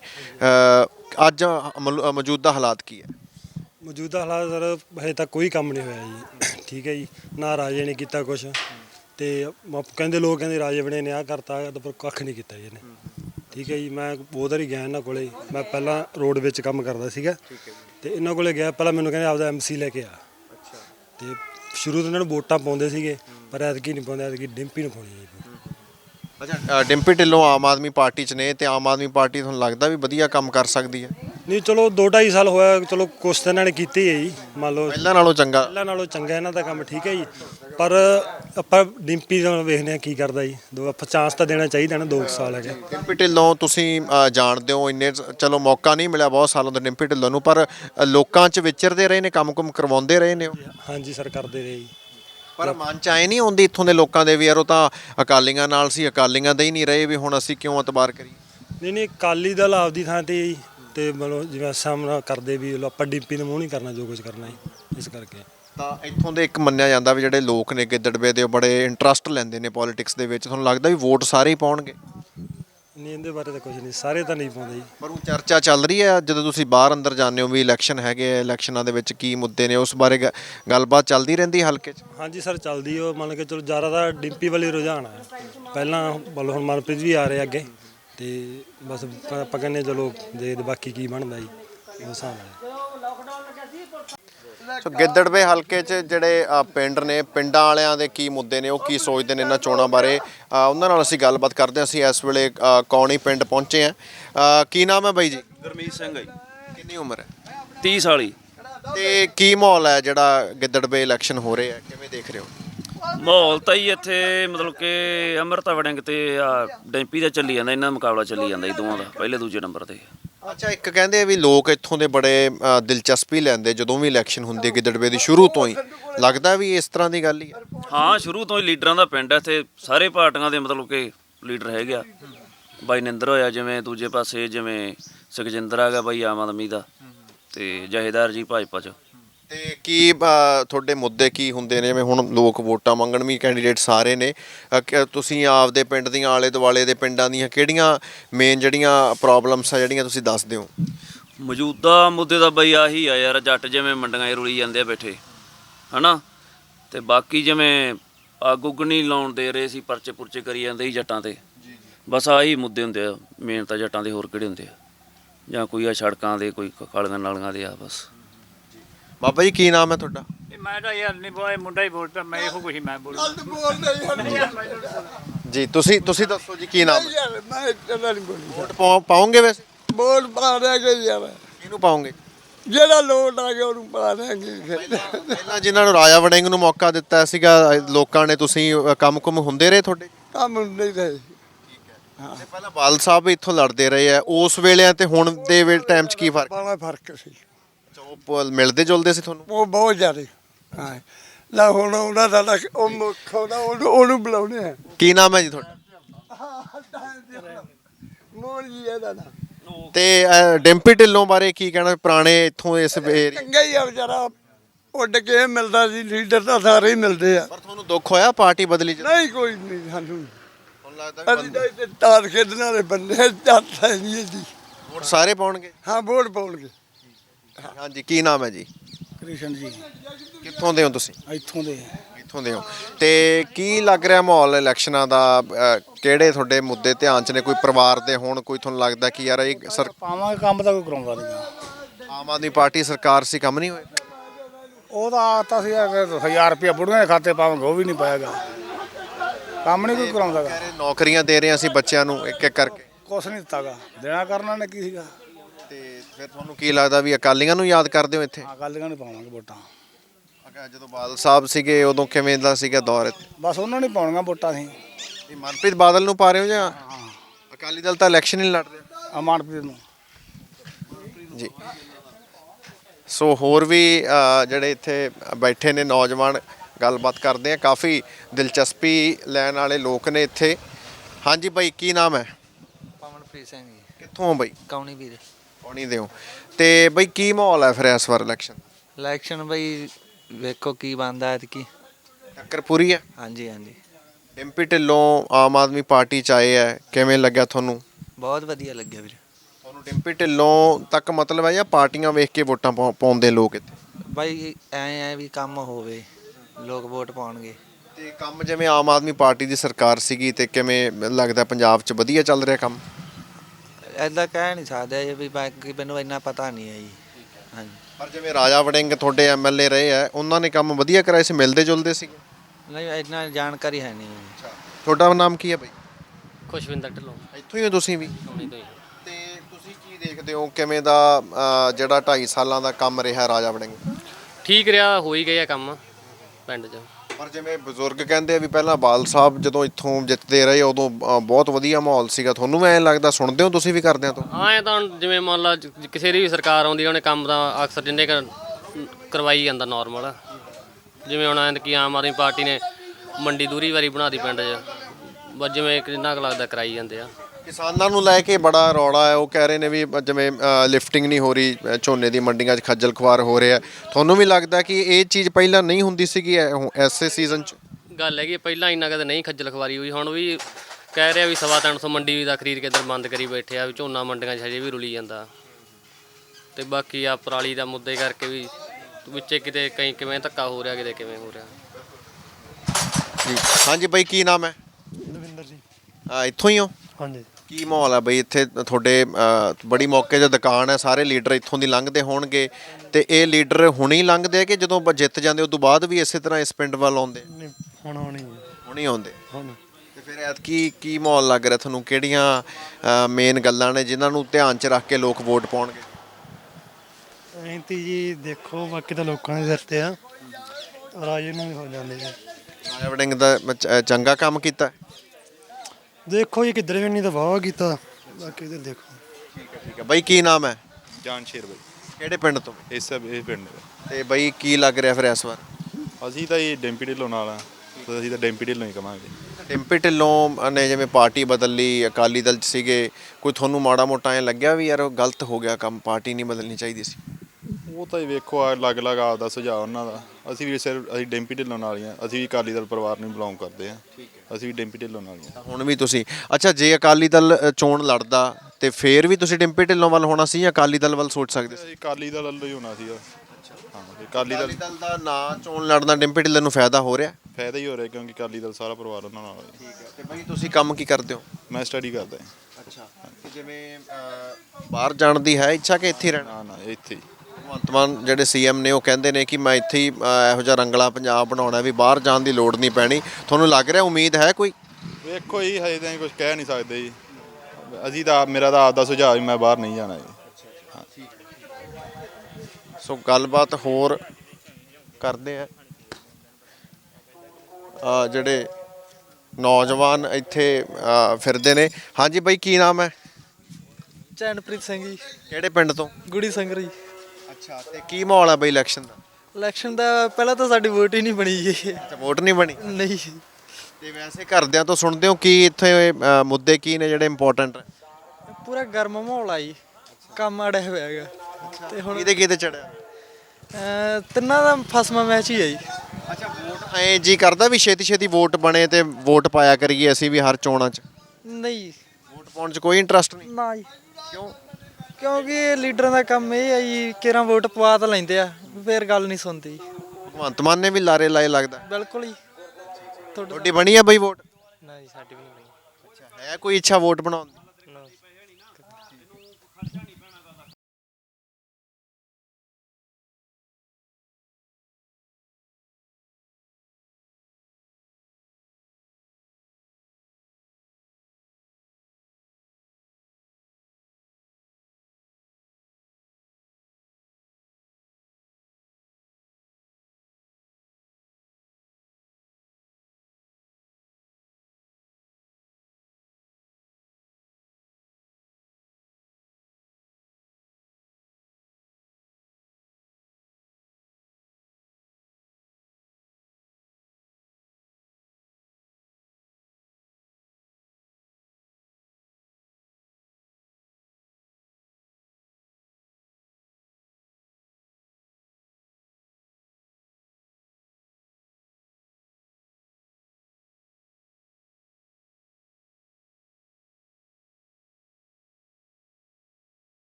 ਅੱਜ ਮੌਜੂਦਾ ਹਾਲਾਤ ਕੀ ਹੈ?
ਮੌਜੂਦਾ ਹਾਲਾਤ ਸਰ, ਹਜੇ ਤੱਕ ਕੋਈ ਕੰਮ ਨਹੀਂ ਹੋਇਆ ਜੀ। ਠੀਕ ਹੈ ਜੀ, ਨਾ ਰਾਜੇ ਨੇ ਕੀਤਾ ਕੁਛ, ਤੇ ਕਹਿੰਦੇ ਲੋਕ ਕਹਿੰਦੇ ਰਾਜੇ ਬਣੇ ਨੇ ਆਹ ਕਰਤਾ, ਪਰ ਕੱਖ ਨਹੀਂ ਕੀਤਾ ਜੀ ਇਹਨੇ। ਠੀਕ ਹੈ ਜੀ, ਮੈਂ ਉਧਰ ਹੀ ਗਿਆ ਇਹਨਾਂ ਕੋਲੇ। ਮੈਂ ਪਹਿਲਾਂ ਰੋਡ ਵਿੱਚ ਕੰਮ ਕਰਦਾ ਸੀਗਾ, ਤੇ ਇਹਨਾਂ ਕੋਲੇ ਗਿਆ। ਪਹਿਲਾਂ ਮੈਨੂੰ ਕਹਿੰਦੇ ਆਪਦਾ MC ਲੈ ਕੇ ਆ। ਤੇ ਸ਼ੁਰੂ ਤੋਂ ਇਹਨਾਂ ਨੂੰ ਵੋਟਾਂ ਪਾਉਂਦੇ ਸੀਗੇ, ਪਰ ਐਤਕੀ ਨਹੀਂ ਪਾਉਂਦੇ, ਐਤਕੀ ਡਿੰਪੀ ਨੂੰ ਪਾਉਣੀ ਜੀ।
ਅੱਛਾ, ਡਿੰਪੀ ਢਿੱਲੋਂ ਆਮ ਆਦਮੀ ਪਾਰਟੀ 'ਚ ਨੇ, ਤੇ ਆਮ ਆਦਮੀ ਪਾਰਟੀ ਤੁਹਾਨੂੰ ਲੱਗਦਾ ਵੀ ਵਧੀਆ ਕੰਮ ਕਰ ਸਕਦੀ ਹੈ?
ਨਹੀਂ, ਚਲੋ 2-2.5 ਸਾਲ ਹੋਇਆ, ਚਲੋ ਕੁਛ ਤਾਂ ਇਹਨਾਂ ਨੇ ਕੀਤੀ ਹੈ ਜੀ। ਮੰਨ ਲਓ
ਪਹਿਲਾਂ ਨਾਲੋਂ ਚੰਗਾ,
ਪਹਿਲਾਂ ਨਾਲੋਂ ਚੰਗਾ ਇਹਨਾਂ ਦਾ ਕੰਮ। ਠੀਕ ਹੈ ਜੀ, ਪਰ ਆਪਾਂ ਡਿੰਪੀ ਦਾ ਵੇਖਦੇ ਹਾਂ ਕੀ ਕਰਦਾ ਜੀ। ਆਪਾਂ ਚਾਂਸ ਤਾਂ ਦੇਣਾ ਚਾਹੀਦਾ ਨਾ, 2 ਸਾਲ ਹੈਗੇ।
ਡਿੰਪੀ ਢਿੱਲੋਂ ਤੁਸੀਂ ਜਾਣਦੇ ਹੋ, ਇੰਨੇ ਚਲੋ ਮੌਕਾ ਨਹੀਂ ਮਿਲਿਆ ਬਹੁਤ ਸਾਲਾਂ ਤੋਂ ਡਿੰਪੀ ਢਿੱਲੋਂ ਨੂੰ, ਪਰ ਲੋਕਾਂ 'ਚ ਵਿਚਰਦੇ ਰਹੇ ਨੇ, ਕੰਮ ਕਰਵਾਉਂਦੇ ਰਹੇ ਨੇ ਉਹ।
ਹਾਂਜੀ ਸਰ, ਕਰਦੇ ਰਹੇ ਜੀ।
ਪਰ ਮਨ 'ਚ ਆਏ ਨਹੀਂ ਆਉਂਦੀ ਇੱਥੋਂ ਦੇ ਲੋਕਾਂ ਦੇ ਵੀ ਯਾਰ ਉਹ ਤਾਂ ਅਕਾਲੀਆਂ ਨਾਲ ਸੀ, ਅਕਾਲੀਆਂ ਦੇ ਹੀ ਨਹੀਂ ਰਹੇ, ਵੀ ਹੁਣ ਅਸੀਂ ਕਿਉਂ ਇਤਬਾਰ ਕਰੀਏ?
ਨਹੀਂ, ਅਕਾਲੀ ਦਲ ਆਪਦੀ ਥਾਂ ਤੇ ਜੀ, ਤੇ ਮਤਲਬ ਜਿਵੇਂ ਸਾਹਮਣਾ ਕਰਦੇ ਵੀ ਆਪਾਂ ਡਿੰਪੀ ਨੂੰ ਮੂੰਹ ਨਹੀਂ ਕਰਨਾ ਜੋ ਕੁਝ ਕਰਨਾ ਜੀ, ਇਸ ਕਰਕੇ।
ਤਾਂ ਇੱਥੋਂ ਦੇ ਇੱਕ ਮੰਨਿਆ ਜਾਂਦਾ ਵੀ ਜਿਹੜੇ ਲੋਕ ਨੇ ਗਿੱਦੜਵੇ ਦੇ, ਉਹ ਬੜੇ ਇੰਟਰਸਟ ਲੈਂਦੇ ਨੇ ਪੋਲਿਟਿਕਸ ਦੇ ਵਿੱਚ। ਤੁਹਾਨੂੰ ਲੱਗਦਾ ਵੀ ਵੋਟ ਸਾਰੇ ਹੀ ਪਾਉਣਗੇ?
ਨਹੀਂ, ਇਹਦੇ ਬਾਰੇ ਤਾਂ ਕੁਝ ਨਹੀਂ, ਸਾਰੇ ਤਾਂ ਨਹੀਂ ਪਾਉਂਦੇ ਜੀ।
ਪਰ ਉਹ ਚਰਚਾ ਚੱਲ ਰਹੀ ਹੈ ਜਦੋਂ ਤੁਸੀਂ ਬਾਹਰ ਅੰਦਰ ਜਾਂਦੇ ਹੋ ਵੀ ਇਲੈਕਸ਼ਨ ਹੈਗੇ ਆ, ਇਲੈਕਸ਼ਨਾਂ ਦੇ ਵਿੱਚ ਕੀ ਮੁੱਦੇ ਨੇ, ਉਸ ਬਾਰੇ ਗੱਲਬਾਤ ਚੱਲਦੀ ਰਹਿੰਦੀ ਹਲਕੇ 'ਚ?
ਹਾਂਜੀ ਸਰ, ਚੱਲਦੀ। ਉਹ ਮੰਨ ਕੇ ਚਲੋ ਜ਼ਿਆਦਾ ਤਾਂ ਡਿੰਪੀ ਵਾਲੀ ਰੁਝਾਨ ਹੈ। ਪਹਿਲਾਂ ਮਤਲਬ ਹੁਣ ਮਨਪ੍ਰੀਤ ਵੀ ਆ ਰਹੇ ਅੱਗੇ, ਤੇ ਬਸ ਆਪਾਂ ਕਹਿੰਦੇ ਚਲੋ ਦੇ ਬਾਕੀ ਕੀ ਬਣਦਾ ਜੀ ਉਸ ਹਿਸਾਬ ਨਾਲ।
ਸੋ ਗਿੱਦੜਵੇ ਹਲਕੇ 'ਚ ਜਿਹੜੇ ਪਿੰਡ ਨੇ, ਪਿੰਡਾਂ ਵਾਲਿਆਂ ਦੇ ਕੀ ਮੁੱਦੇ ਨੇ, ਉਹ ਕੀ ਸੋਚਦੇ ਨੇ ਇਹਨਾਂ ਚੋਣਾਂ ਬਾਰੇ, ਉਹਨਾਂ ਨਾਲ ਅਸੀਂ ਗੱਲਬਾਤ ਕਰਦੇ ਹਾਂ। ਅਸੀਂ ਇਸ ਵੇਲੇ ਕੌਣੀ ਪਿੰਡ ਪਹੁੰਚੇ ਹਾਂ। ਕੀ ਨਾਮ ਹੈ ਬਾਈ ਜੀ?
ਗੁਰਮੀਤ ਸਿੰਘ ਹੈ ਜੀ।
ਕਿੰਨੀ ਉਮਰ ਹੈ?
30 ਸਾਲੀ।
ਤੇ ਕੀ ਮਾਹੌਲ ਹੈ ਜਿਹੜਾ ਗਿੱਦੜਵੇ ਇਲੈਕਸ਼ਨ ਹੋ ਰਹੇ ਆ, ਕਿਵੇਂ ਦੇਖ ਰਹੇ ਹੋ?
ਮਾਹੌਲ ਤਾਂ ਹੀ ਇੱਥੇ ਮਤਲਬ ਕਿ ਅੰਮ੍ਰਿਤਾ ਵੜਿੰਗ ਤੇ ਡੈਂਪੀ ਦਾ ਚੱਲੀ ਜਾਂਦਾ, ਇਹਨਾਂ ਦਾ ਮੁਕਾਬਲਾ ਚੱਲੀ ਜਾਂਦਾ ਜੀ ਦੋਵਾਂ ਦਾ, ਪਹਿਲੇ ਦੂਜੇ ਨੰਬਰ ਤੇ।
ਅੱਛਾ, ਇੱਕ ਕਹਿੰਦੇ ਆ ਵੀ ਲੋਕ ਇੱਥੋਂ ਦੇ ਬੜੇ ਦਿਲਚਸਪੀ ਲੈਂਦੇ ਜਦੋਂ ਵੀ ਇਲੈਕਸ਼ਨ ਹੁੰਦੀ ਗਿੱਦੜਵੇ ਦੀ, ਸ਼ੁਰੂ ਤੋਂ ਹੀ ਲੱਗਦਾ ਵੀ ਇਸ ਤਰ੍ਹਾਂ ਦੀ ਗੱਲ ਹੀ ਹੈ।
ਹਾਂ, ਸ਼ੁਰੂ ਤੋਂ ਹੀ ਲੀਡਰਾਂ ਦਾ ਪਿੰਡ ਹੈ ਇੱਥੇ, ਸਾਰੇ ਪਾਰਟੀਆਂ ਦੇ ਮਤਲਬ ਕਿ ਲੀਡਰ ਹੈਗੇ ਆ। ਬਾਈ ਨਿੰਦਰ ਹੋਇਆ ਜਿਵੇਂ, ਦੂਜੇ ਪਾਸੇ ਜਿਵੇਂ ਸੁਖਜਿੰਦਰ ਹੈਗਾ ਬਾਈ ਆਮ ਆਦਮੀ ਦਾ, ਤੇ ਜਹੇਦਾਰ ਜੀ ਭਾਜਪਾ 'ਚ।
ਤੇ ਕੀ ਤੁਹਾਡੇ ਮੁੱਦੇ ਕੀ ਹੁੰਦੇ ਨੇ? ਜਿਵੇਂ ਹੁਣ ਲੋਕ ਵੋਟਾਂ ਮੰਗਣ ਵੀ ਕੈਂਡੀਡੇਟ ਸਾਰੇ ਨੇ, ਤੁਸੀਂ ਆਪਦੇ ਪਿੰਡ ਦੀਆਂ ਆਲੇ ਦੁਆਲੇ ਦੇ ਪਿੰਡਾਂ ਦੀਆਂ ਕਿਹੜੀਆਂ ਮੇਨ ਜਿਹੜੀਆਂ ਪ੍ਰੋਬਲਮਸ ਆ ਜਿਹੜੀਆਂ ਤੁਸੀਂ ਦੱਸ ਦਿਓ?
ਮੌਜੂਦਾ ਮੁੱਦੇ ਦਾ ਬਈ ਆਹੀ ਆ ਯਾਰ, ਜੱਟ ਜਿਵੇਂ ਮੰਡੀਆਂ 'ਚ ਰੁਲੀ ਜਾਂਦੇ ਆ ਬੈਠੇ, ਹਨਾ। ਤੇ ਬਾਕੀ ਜਿਵੇਂ ਗੁੱਗ ਨਹੀਂ ਲਾਉਣ ਦੇ ਰਹੇ ਸੀ, ਪਰਚੇ ਪੁਰਚੇ ਕਰੀ ਜਾਂਦੇ ਸੀ ਜੱਟਾਂ ਤੇ, ਬਸ ਆਹੀ ਮੁੱਦੇ ਹੁੰਦੇ ਆ ਮੇਨ ਤਾਂ ਜੱਟਾਂ ਦੇ, ਹੋਰ ਕਿਹੜੇ ਹੁੰਦੇ ਆ? ਜਾਂ ਕੋਈ ਆ ਸੜਕਾਂ ਦੇ, ਕੋਈ ਕਾਲੀਆਂ ਨਾਲੀਆਂ ਦੇ ਆ, ਬਸ।
ਬਾਬਾ ਜੀ ਕੀ ਨਾਮ ਹੈ ਤੁਹਾਡਾ?
ਮੈਂ ਤਾਂ ਯਾਰ ਨਹੀਂ ਬੋਏ, ਮੁੰਡਾ ਹੀ ਬੋਲਦਾ, ਮੈਂ ਇਹੋ ਕੁਛ ਮੈਂ ਬੋਲਦਾ
ਜੀ। ਤੁਸੀਂ ਦੱਸੋ ਜੀ ਕੀ ਨਾਮ ਹੈ?
ਮੈਂ ਚੱਲਣਾ ਨਹੀਂ ਬੋਲੀ।
ਵੋਟ ਪਾਉਂਗੇ ਵੈਸੇ?
ਵੋਟ ਪਾ ਦਿਆਂਗੇ ਯਾਰ।
ਕਿਹਨੂੰ ਪਾਉਂਗੇ?
ਜਿਹੜਾ ਲੋਟ ਆ ਗਿਆ ਉਹਨੂੰ ਪਾ ਦਿਆਂਗੇ।
ਪਹਿਲਾਂ ਜਿਨ੍ਹਾਂ ਨੂੰ ਰਾਜਾ ਵੜਿੰਗ ਨੂੰ ਮੌਕਾ ਦਿੱਤਾ ਸੀਗਾ ਲੋਕਾਂ ਨੇ, ਤੁਸੀਂ ਕੰਮ-ਕੁਮ ਹੁੰਦੇ ਰਹੇ ਤੁਹਾਡੇ?
ਕੰਮ ਨਹੀਂ ਰਹੇ।
ਤੇ ਪਹਿਲਾਂ ਬਾਦਲ ਸਾਹਿਬ ਵੀ ਇੱਥੋਂ ਲੜਦੇ ਰਹੇ ਆ, ਉਸ ਵੇਲੇ ਤੇ ਹੁਣ ਦੇ ਟਾਈਮ 'ਚ ਕੀ ਫਰਕ?
ਬੜਾ ਫਰਕ ਸੀ।
ਉਹ ਮਿਲਦੇ ਜੁਲਦੇ ਸੀ ਤੁਹਾਨੂੰ?
ਉਹ ਬਹੁਤ ਜ਼ਿਆਦਾ। ਹਾਂ, ਲੈ ਹੁਣ ਉਹਨਾਂ ਦਾ ਉਹ ਮੁੱਖ ਉਹਦਾ, ਉਹਨੂੰ ਬੁਲਾਉਣੇ ਆ।
ਕੀ ਨਾਮ ਹੈ ਜੀ ਤੁਹਾਡਾ?
ਮੋਹਨ ਜੀ ਇਹਦਾ ਨਾਮ।
ਤੇ ਡਿੰਪੀ ਢਿੱਲੋਂ ਬਾਰੇ ਕੀ ਕਹਿਣਾ? ਪੁਰਾਣੇ ਇੱਥੋਂ ਇਸ
ਚੰਗਾ ਹੀ ਆ ਵਿਚਾਰਾ, ਉੱਡ ਕੇ ਮਿਲਦਾ ਸੀ, ਲੀਡਰ ਤਾਂ ਸਾਰੇ ਹੀ ਮਿਲਦੇ ਆ।
ਪਰ ਤੁਹਾਨੂੰ ਦੁੱਖ ਹੋਇਆ ਪਾਰਟੀ ਬਦਲੀ?
ਨਹੀਂ, ਕੋਈ ਨਹੀਂ ਸਾਨੂੰ। ਅਸੀਂ ਤਾਂ ਇੱਥੇ ਤਾਰ ਖੇਡਣ ਵਾਲੇ ਬੰਦੇ, ਜੱਟ ਹੈ ਨਹੀਂ ਜੀ।
ਵੋਟ ਸਾਰੇ ਪਾਉਣਗੇ?
ਹਾਂ, ਵੋਟ ਪਾਉਣਗੇ।
ਹਾਂਜੀ, ਕੀ ਨਾਮ ਹੈ ਜੀ?
ਕ੍ਰਿਸ਼ਨ ਜੀ।
ਕਿੱਥੋਂ ਦੇ ਹੋ ਤੁਸੀਂ?
ਇੱਥੋਂ ਦੇ।
ਇੱਥੋਂ ਦੇ ਹੋ। ਤੇ ਕੀ ਲੱਗ ਰਿਹਾ ਮਾਹੌਲ ਇਲੈਕਸ਼ਨਾਂ ਦਾ? ਕਿਹੜੇ ਤੁਹਾਡੇ ਮੁੱਦੇ ਧਿਆਨ 'ਚ ਨੇ? ਕੋਈ ਪਰਿਵਾਰ ਦੇ ਹੋਣ, ਕੋਈ ਤੁਹਾਨੂੰ ਲੱਗਦਾ ਕਿ ਯਾਰ ਇਹ
ਪਾਵਾਂਗੇ, ਕੰਮ ਤਾਂ ਕੋਈ ਕਰਾਉਂਦਾ ਨਹੀਂ।
ਆਮ ਆਦਮੀ ਪਾਰਟੀ ਸਰਕਾਰ ਸੀ, ਕੰਮ ਨਹੀਂ ਹੋਏ?
ਉਹਦਾ ਆਤਾ ਸੀ 1000 ਰੁਪਇਆ ਬੁੜੀਆਂ ਦੇ ਖਾਤੇ ਪਾਵਾਂਗੇ, ਉਹ ਵੀ ਨਹੀਂ ਪਾਏਗਾ, ਕੰਮ ਨਹੀਂ ਕੋਈ ਕਰਾਉਂਦਾ।
ਨੌਕਰੀਆਂ ਦੇ ਰਹੇ ਅਸੀਂ ਬੱਚਿਆਂ ਨੂੰ ਇੱਕ ਇੱਕ ਕਰਕੇ,
ਕੁਛ ਨਹੀਂ ਦਿੱਤਾਗਾ, ਦੇਣਾ ਕਰਨਾ ਨੇ ਕੀ ਸੀਗਾ।
ਤੇ ਫਿਰ ਤੁਹਾਨੂੰ ਕੀ ਲੱਗਦਾ ਵੀ ਅਕਾਲੀਆਂ ਨੂੰ ਯਾਦ ਕਰਦੇ ਹੋ ਇੱਥੇ?
ਅਕਾਲੀਆਂ ਨੂੰ ਪਾਵਾਂਗੇ ਵੋਟਾਂ।
ਜਦੋਂ ਬਾਦਲ ਸਾਹਿਬ ਸੀਗੇ ਉਦੋਂ ਕਿਵੇਂ ਦਾ ਸੀਗਾ ਦੌਰ ਇੱਥੇ?
ਬਸ ਉਹਨਾਂ ਨੂੰ ਪਾਉਣੀਆਂ ਵੋਟਾਂ ਸੀ।
ਮਨਪ੍ਰੀਤ ਬਾਦਲ ਨੂੰ ਪਾ ਰਹੇ ਹੋ ਜਾਂ ਅਕਾਲੀ ਦਲ ਤਾਂ ਇਲੈਕਸ਼ਨ ਹੀ ਲੜ ਰਿਹਾ?
ਮਨਪ੍ਰੀਤ ਨੂੰ
ਜੀ। ਸੋ ਹੋਰ ਵੀ ਜਿਹੜੇ ਇੱਥੇ ਬੈਠੇ ਨੇ ਨੌਜਵਾਨ, ਗੱਲਬਾਤ ਕਰਦੇ ਆ। ਕਾਫੀ ਦਿਲਚਸਪੀ ਲੈਣ ਵਾਲੇ ਲੋਕ ਨੇ ਇੱਥੇ। ਹਾਂਜੀ ਬਾਈ, ਕੀ ਨਾਮ ਹੈ?
ਪਵਨਪ੍ਰੀਤ ਸਿੰਘ ਜੀ।
ਕਿੱਥੋਂ ਬਾਈ?
ਕੌਣੀ ਵੀਰ।
ਕੌਣੀ ਦੇ ਹੋ। ਤੇ ਬਾਈ ਕੀ ਮਾਹੌਲ ਹੈ ਫਿਰ ਇਸ ਵਾਰ
ਇਲੈਕਸ਼ਨ ਬਾਈ ਵੇਖੋ ਕੀ ਬਣਦਾ ਐਤਕੀ।
ਟੱਕਰ ਪੂਰੀ ਹੈ?
ਹਾਂਜੀ ਹਾਂਜੀ।
ਡਿੰਪੀ ਢਿੱਲੋਂ ਆਮ ਆਦਮੀ ਪਾਰਟੀ 'ਚ ਆਏ ਹੈ, ਕਿਵੇਂ ਲੱਗਿਆ ਤੁਹਾਨੂੰ?
ਬਹੁਤ ਵਧੀਆ ਲੱਗਿਆ ਵੀਰ।
ਤੁਹਾਨੂੰ ਡਿੰਪੀ ਢਿੱਲੋਂ ਤੱਕ ਮਤਲਬ ਹੈ ਜਾਂ ਪਾਰਟੀਆਂ ਵੇਖ ਕੇ ਵੋਟਾਂ ਪਾਉਂਦੇ ਲੋਕ ਇੱਥੇ?
ਬਾਈ ਐ ਵੀ ਕੰਮ ਹੋਵੇ, ਲੋਕ ਵੋਟ ਪਾਉਣਗੇ।
ਤੇ ਕੰਮ ਜਿਵੇਂ ਆਮ ਆਦਮੀ ਪਾਰਟੀ ਦੀ ਸਰਕਾਰ ਸੀਗੀ, ਤੇ ਕਿਵੇਂ ਲੱਗਦਾ ਪੰਜਾਬ 'ਚ ਵਧੀਆ ਚੱਲ ਰਿਹਾ ਕੰਮ?
ਐਦਾਂ ਕਹਿ ਨਹੀਂ ਸਕਦੇ ਵੀ, ਬਾਕੀ ਮੈਨੂੰ ਇੰਨਾ ਪਤਾ ਨਹੀਂ ਹੈ ਜੀ। ਹਾਂਜੀ।
ਪਰ ਜਿਵੇਂ ਰਾਜਾ ਵੜਿੰਗ ਤੁਹਾਡੇ ਐਮਐਲਏ ਰਹੇ ਆ, ਉਹਨਾਂ ਨੇ ਕੰਮ ਵਧੀਆ ਕਰਾਏ ਸੀ, ਮਿਲਦੇ ਜੁਲਦੇ ਸੀ?
ਨਹੀਂ, ਇੰਨਾ ਜਾਣਕਾਰੀ ਹੈ ਨਹੀਂ।
ਤੁਹਾਡਾ ਨਾਮ ਕੀ ਹੈ ਬਾਈ?
ਖੁਸ਼ਵਿੰਦਰ ਢਿੱਲੋਂ।
ਇੱਥੋਂ ਹੀ ਹੋ ਤੁਸੀਂ ਵੀ?
ਕੌਣੀ ਤੋਂ ਹੀ।
ਤੇ ਤੁਸੀਂ ਕੀ ਦੇਖਦੇ ਹੋ ਕਿਵੇਂ ਦਾ ਜਿਹੜਾ 2.5 ਸਾਲਾਂ ਦਾ ਕੰਮ ਰਿਹਾ ਰਾਜਾ ਵੜਿੰਗ?
ਠੀਕ ਰਿਹਾ, ਹੋ ਹੀ ਗਿਆ ਕੰਮ ਪਿੰਡ 'ਚ।
ਪਰ ਜਿਵੇਂ ਬਜ਼ੁਰਗ ਕਹਿੰਦੇ ਆ ਵੀ ਪਹਿਲਾਂ ਬਾਦਲ ਸਾਹਿਬ ਜਦੋਂ ਇੱਥੋਂ ਜਿੱਤਦੇ ਰਹੇ ਉਦੋਂ ਬਹੁਤ ਵਧੀਆ ਮਾਹੌਲ ਸੀਗਾ, ਤੁਹਾਨੂੰ ਐਂ ਲੱਗਦਾ? ਸੁਣਦੇ ਹੋ ਤੁਸੀਂ ਵੀ, ਕਰਦਿਆਂ ਤੋਂ?
ਹਾਂ, ਇਹ ਤਾਂ ਜਿਵੇਂ ਮੰਨ ਲਾ ਕਿਸੇ ਦੀ ਵੀ ਸਰਕਾਰ ਆਉਂਦੀ ਉਹਨੇ ਕੰਮ ਤਾਂ ਅਕਸਰ ਜਿੰਨੇ ਕਰਵਾਈ ਜਾਂਦਾ ਨਾਰਮਲ। ਜਿਵੇਂ ਹੁਣ ਕਿ ਆਮ ਆਦਮੀ ਪਾਰਟੀ ਨੇ ਮੰਡੀ ਦੂਰੀ ਵਾਰੀ ਬਣਾ ਦੀ ਪਿੰਡ 'ਚ, ਬਸ ਜਿਵੇਂ ਜਿੰਨਾ ਕੁ ਲੱਗਦਾ ਕਰਾਈ ਜਾਂਦੇ ਆ।
ਕਿਸਾਨਾਂ ਨੂੰ ਲੈ ਕੇ ਬੜਾ ਰੌਲਾ ਹੈ, ਉਹ ਕਹਿ ਰਹੇ ਨੇ ਵੀ ਜਿਵੇਂ ਲਿਫਟਿੰਗ ਨਹੀਂ ਹੋ ਰਹੀ, ਝੋਨੇ ਦੀ ਮੰਡੀਆਂ 'ਚ ਖੱਜਲ ਖੁਆਰ ਹੋ ਰਿਹਾ। ਤੁਹਾਨੂੰ ਵੀ ਲੱਗਦਾ ਕਿ ਇਹ ਚੀਜ਼ ਪਹਿਲਾਂ ਨਹੀਂ ਹੁੰਦੀ ਸੀਗੀ ਐਸੇ ਸੀਜ਼ਨ 'ਚ?
ਗੱਲ ਹੈਗੀ ਪਹਿਲਾਂ ਇੰਨਾ ਕਦੇ ਨਹੀਂ ਖੱਜਲ ਖਵਾਰੀ ਹੋਈ, ਹੁਣ ਵੀ ਕਹਿ ਰਿਹਾ ਵੀ 350 ਮੰਡੀ ਦਾ ਖਰੀਦ ਕੇ ਇੱਧਰ ਬੰਦ ਕਰੀ ਬੈਠੇ ਆ, ਵੀ ਝੋਨਾ ਮੰਡੀਆਂ 'ਚ ਹਜੇ ਵੀ ਰੁਲੀ ਜਾਂਦਾ। ਤੇ ਬਾਕੀ ਆ ਪਰਾਲੀ ਦਾ ਮੁੱਦੇ ਕਰਕੇ ਵੀ ਵਿੱਚੇ ਕਿਤੇ ਕਈ ਕਿਵੇਂ ਧੱਕਾ ਹੋ ਰਿਹਾ, ਕਿਤੇ ਕਿਵੇਂ ਹੋ ਰਿਹਾ।
ਹਾਂਜੀ ਬਾਈ, ਕੀ ਨਾਮ ਹੈ?
ਦਵਿੰਦਰ ਜੀ।
ਇੱਥੋਂ ਹੀ ਹੋ?
ਹਾਂਜੀ।
ਕੀ ਮਾਹੌਲ ਹੈ ਬਈ ਇੱਥੇ ਤੁਹਾਡੇ? ਬੜੀ ਮੌਕੇ 'ਤੇ ਦੁਕਾਨ ਹੈ, ਸਾਰੇ ਲੀਡਰ ਇੱਥੋਂ ਦੀ ਲੰਘਦੇ ਹੋਣਗੇ, ਤੇ ਇਹ ਲੀਡਰ ਹੁਣੇ ਹੀ ਲੰਘਦੇ ਆ ਕਿ ਜਦੋਂ ਜਿੱਤ ਜਾਂਦੇ ਉਸ ਤੋਂ ਬਾਅਦ ਵੀ ਇਸੇ ਤਰ੍ਹਾਂ ਇਸ ਪਿੰਡ ਵੱਲ ਆਉਂਦੇ?
ਹੁਣ
ਹੁਣੇ ਆਉਂਦੇ। ਤੇ ਫਿਰ ਐਤਕੀ ਕੀ ਮਾਹੌਲ ਲੱਗ ਰਿਹਾ ਤੁਹਾਨੂੰ? ਕਿਹੜੀਆਂ ਮੇਨ ਗੱਲਾਂ ਨੇ ਜਿਨ੍ਹਾਂ ਨੂੰ ਧਿਆਨ 'ਚ ਰੱਖ ਕੇ ਲੋਕ ਵੋਟ ਪਾਉਣਗੇ?
ਐਂਤੀ ਜੀ ਦੇਖੋ, ਬਾਕੀ ਤਾਂ ਲੋਕਾਂ ਦੇ ਸਿਰ ਤੇ ਆ, ਰਾਜੇ ਨੂੰ ਵੀ ਹੋ ਜਾਂਦੇ ਜੀ।
ਰਾਜਾ ਵੜਿੰਗ ਦਾ ਚੰਗਾ ਕੰਮ ਕੀਤਾ?
ਦੇਖੋ ਜੀ, ਕਿੱਧਰ ਵੀ ਨਹੀਂ ਤਾਂ ਵਾਹ ਕੀਤਾ, ਬਾਕੀ ਇੱਧਰ ਦੇਖੋ।
ਠੀਕ ਹੈ ਬਾਈ, ਕੀ ਨਾਮ ਹੈ?
ਜਾਨ ਸ਼ੇਰ ਬਾਈ।
ਕਿਹੜੇ ਪਿੰਡ ਤੋਂ?
ਇਹ ਪਿੰਡ
ਤੇ ਬਾਈ ਕੀ ਲੱਗ ਰਿਹਾ ਫਿਰ ਇਸ ਵਾਰ?
ਅਸੀਂ ਤਾਂ ਇਹ ਡੈਂਪੀ ਢਿੱਲੋਂ ਨਾਲ ਆ, ਤੇ ਅਸੀਂ ਤਾਂ ਡੈਂਪੀ ਢਿੱਲੋਂ ਹੀ ਕਵਾਂਗੇ।
ਡਿੰਪੀ ਢਿੱਲੋਂ ਨੇ ਜਿਵੇਂ ਪਾਰਟੀ ਬਦਲ ਲਈ, ਅਕਾਲੀ ਦਲ 'ਚ ਸੀਗੇ, ਕੋਈ ਤੁਹਾਨੂੰ ਮਾੜਾ ਮੋਟਾ ਐਂ ਲੱਗਿਆ ਵੀ ਯਾਰ ਉਹ ਗਲਤ ਹੋ ਗਿਆ ਕੰਮ, ਪਾਰਟੀ ਨਹੀਂ ਬਦਲਣੀ ਚਾਹੀਦੀ ਸੀ?
ਉਹ ਤਾਂ ਹੀ ਵੇਖੋ ਅਲੱਗ-ਅਲੱਗ ਆਪਦਾ ਸੁਝਾਅ ਉਹਨਾਂ ਦਾ। ਅਸੀਂ ਡੈਂਪੀ ਢਿੱਲੋਂ ਨਾਲ ਹੀ ਆ, ਅਸੀਂ ਵੀ ਅਕਾਲੀ ਦਲ ਪਰਿਵਾਰ ਨੂੰ ਬਿਲੋਂਗ ਕਰਦੇ ਆ, ਅਸੀਂ ਵੀ ਡੈਂਪੀ ਢਿੱਲੋਂ ਨਾਲ ਹੀ ਆ।
ਹੁਣ ਵੀ ਤੁਸੀਂ, ਅੱਛਾ ਜੇ ਅਕਾਲੀ ਦਲ ਚੋਣ ਲੜਦਾ ਤੇ ਫੇਰ ਵੀ ਤੁਸੀਂ ਡਿੰਪੀ ਢਿੱਲੋਂ ਵੱਲ ਹੋਣਾ ਸੀ ਜਾਂ ਅਕਾਲੀ ਦਲ ਵੱਲ ਸੋਚ ਸਕਦੇ ਸੀ?
ਅਸੀਂ ਅਕਾਲੀ ਦਲ ਵੱਲੋਂ ਹੀ ਹੋਣਾ ਸੀ। ਹਾਂ, ਅਕਾਲੀ ਦਲ
ਦਾ ਨਾਂ ਚੋਣ ਲੜਨਾ ਡਿੰਪੀ ਢਿੱਲੋਂ ਨੂੰ ਫਾਇਦਾ ਹੋ ਰਿਹਾ?
ਫਾਇਦਾ ਹੀ ਹੋ ਰਿਹਾ ਕਿਉਂਕਿ ਅਕਾਲੀ ਦਲ ਸਾਰਾ ਪਰਿਵਾਰ ਉਹਨਾਂ ਨਾਲ ਹੈ।
ਠੀਕ ਹੈ। ਤੇ ਬਾਈ ਤੁਸੀਂ ਕੰਮ ਕੀ ਕਰਦੇ ਹੋ?
ਮੈਂ ਸਟੱਡੀ ਕਰਦਾ।
ਅੱਛਾ, ਜਿਵੇਂ ਬਾਹਰ ਜਾਣ ਦੀ ਹੈ ਇੱਛਾ ਕਿ ਇੱਥੇ ਹੀ ਰਹਿਣਾ?
ਨਾ ਇੱਥੇ ਹੀ।
ਭਗਵੰਤ ਮਾਨ ਜਿਹੜੇ ਸੀਐਮ ਨੇ ਉਹ ਕਹਿੰਦੇ ਨੇ ਕਿ ਮੈਂ ਇੱਥੇ ਹੀ ਇਹੋ ਜਿਹਾ ਰੰਗਲਾ ਪੰਜਾਬ ਬਣਾਉਣਾ ਵੀ ਬਾਹਰ ਜਾਣ ਦੀ ਲੋੜ ਨਹੀਂ ਪੈਣੀ। ਤੁਹਾਨੂੰ ਲੱਗ ਰਿਹਾ, ਉਮੀਦ ਹੈ ਕੋਈ?
ਵੇਖੋ ਜੀ, ਹਜੇ ਤਾਂ ਕੁਝ ਕਹਿ ਨਹੀਂ ਸਕਦੇ ਜੀ। ਅਸੀਂ ਤਾਂ ਮੇਰਾ ਤਾਂ ਆਪਦਾ ਸੁਝਾਅ ਵੀ ਮੈਂ ਬਾਹਰ ਨਹੀਂ ਜਾਣਾ ਜੀ।
ਸੋ ਗੱਲਬਾਤ ਹੋਰ ਕਰਦੇ ਆ, ਜਿਹੜੇ ਨੌਜਵਾਨ ਇੱਥੇ ਫਿਰਦੇ ਨੇ। ਹਾਂਜੀ ਬਾਈ, ਕੀ ਨਾਮ ਹੈ?
ਚੈਨਪ੍ਰੀਤ ਸਿੰਘ ਜੀ।
ਕਿਹੜੇ ਪਿੰਡ ਤੋਂ?
ਗੁੜੀ ਸੰਗਰ ਜੀ।
ਅੱਛਾ, ਤੇ ਕੀ ਮਾਹੌਲ ਹੈ ਬਾਈ ਇਲੈਕਸ਼ਨ ਦਾ?
ਇਲੈਕਸ਼ਨ ਦਾ ਪਹਿਲਾਂ ਤਾਂ ਸਾਡੀ ਵੋਟ ਹੀ ਨਹੀਂ ਬਣੀ ਜੀ।
ਅੱਛਾ, ਵੋਟ ਨਹੀਂ ਬਣੀ?
ਨਹੀਂ।
ਤੇ ਵੈਸੇ ਘਰਦਿਆਂ ਤੋਂ ਸੁਣਦੇ ਹੋ ਕੀ ਇੱਥੇ ਮੁੱਦੇ ਕੀ ਨੇ ਜਿਹੜੇ ਇੰਪੋਰਟੈਂਟ?
ਪੂਰਾ ਗਰਮ ਮਾਹੌਲ ਆ ਜੀ, ਕੰਮ ਅੜਿਆ ਹੋਇਆ ਹੈਗਾ। ਤੇ ਹੁਣ
ਕਿਹਦੇ ਚੜਿਆ?
ਤਿੰਨਾਂ ਦਾ ਫਸਮਾ ਮੈਚ ਹੀ ਹੈ ਜੀ।
ਅੱਛਾ, ਵੋਟ ਐਂ ਜੀ ਕਰਦਾ ਵੀ ਛੇਤੀ ਛੇਤੀ ਵੋਟ ਬਣੇ ਤੇ ਵੋਟ ਪਾਇਆ ਕਰੀਏ ਅਸੀਂ ਵੀ ਹਰ ਚੋਣਾਂ 'ਚ?
ਨਹੀਂ,
ਵੋਟ ਪਾਉਣ 'ਚ ਕੋਈ ਇੰਟਰਸਟ ਨਹੀਂ?
ਨਾ ਜੀ।
ਕਿਉਂ?
ਕਿਉਂਕਿ ਲੀਡਰਾਂ ਦਾ ਕੰਮ ਇਹ ਹੈ ਜੀ, ਕਿਹੜਾ ਵੋਟ ਪਵਾ ਤਾਂ ਲੈਂਦੇ ਆ, ਫਿਰ ਗੱਲ ਨਹੀਂ ਸੁਣਦੀ।
ਭਗਵੰਤ ਮਾਨ ਨੇ ਵੀ ਲਾਰੇ ਲਾਏ ਲੱਗਦਾ?
ਬਿਲਕੁਲ ਜੀ।
ਤੁਹਾਡੀ ਬਣੀ ਆ ਬਈ ਵੋਟ?
ਨਾ ਜੀ, ਸਾਡੀ ਵੀ ਨਹੀਂ ਬਣੀ।
ਅੱਛਾ, ਹੈ ਕੋਈ ਇੱਛਾ ਵੋਟ ਬਣਾਉਣ ਦੀ?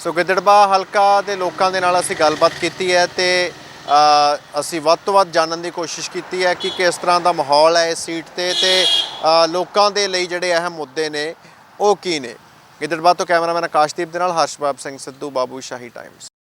ਸੋ ਗਿੱਦੜਬਾਹਾ ਹਲਕਾ ਦੇ ਲੋਕਾਂ ਦੇ ਨਾਲ ਅਸੀਂ ਗੱਲਬਾਤ ਕੀਤੀ ਹੈ ਤੇ ਅਸੀਂ ਵੱਧ ਤੋਂ ਵੱਧ ਜਾਣਨ ਦੀ ਕੋਸ਼ਿਸ਼ ਕੀਤੀ ਹੈ ਕਿ ਕਿਸ ਤਰ੍ਹਾਂ ਦਾ ਮਾਹੌਲ ਹੈ ਇਸ ਸੀਟ ਤੇ ਲੋਕਾਂ ਦੇ ਲਈ ਜਿਹੜੇ ਅਹਿਮ ਮੁੱਦੇ ਨੇ ਉਹ ਕੀ ਨੇ। ਗਿੱਦੜਬਾਹਾ ਤੋਂ ਕੈਮਰਾਮੈਨ ਆਕਾਸ਼ਦੀਪ ਦੇ ਨਾਲ ਹਰਸ਼ਬਾਬ ਸਿੰਘ ਸਿੱਧੂ, ਬਾਬੂ ਸ਼ਾਹੀ ਟਾਈਮਸ।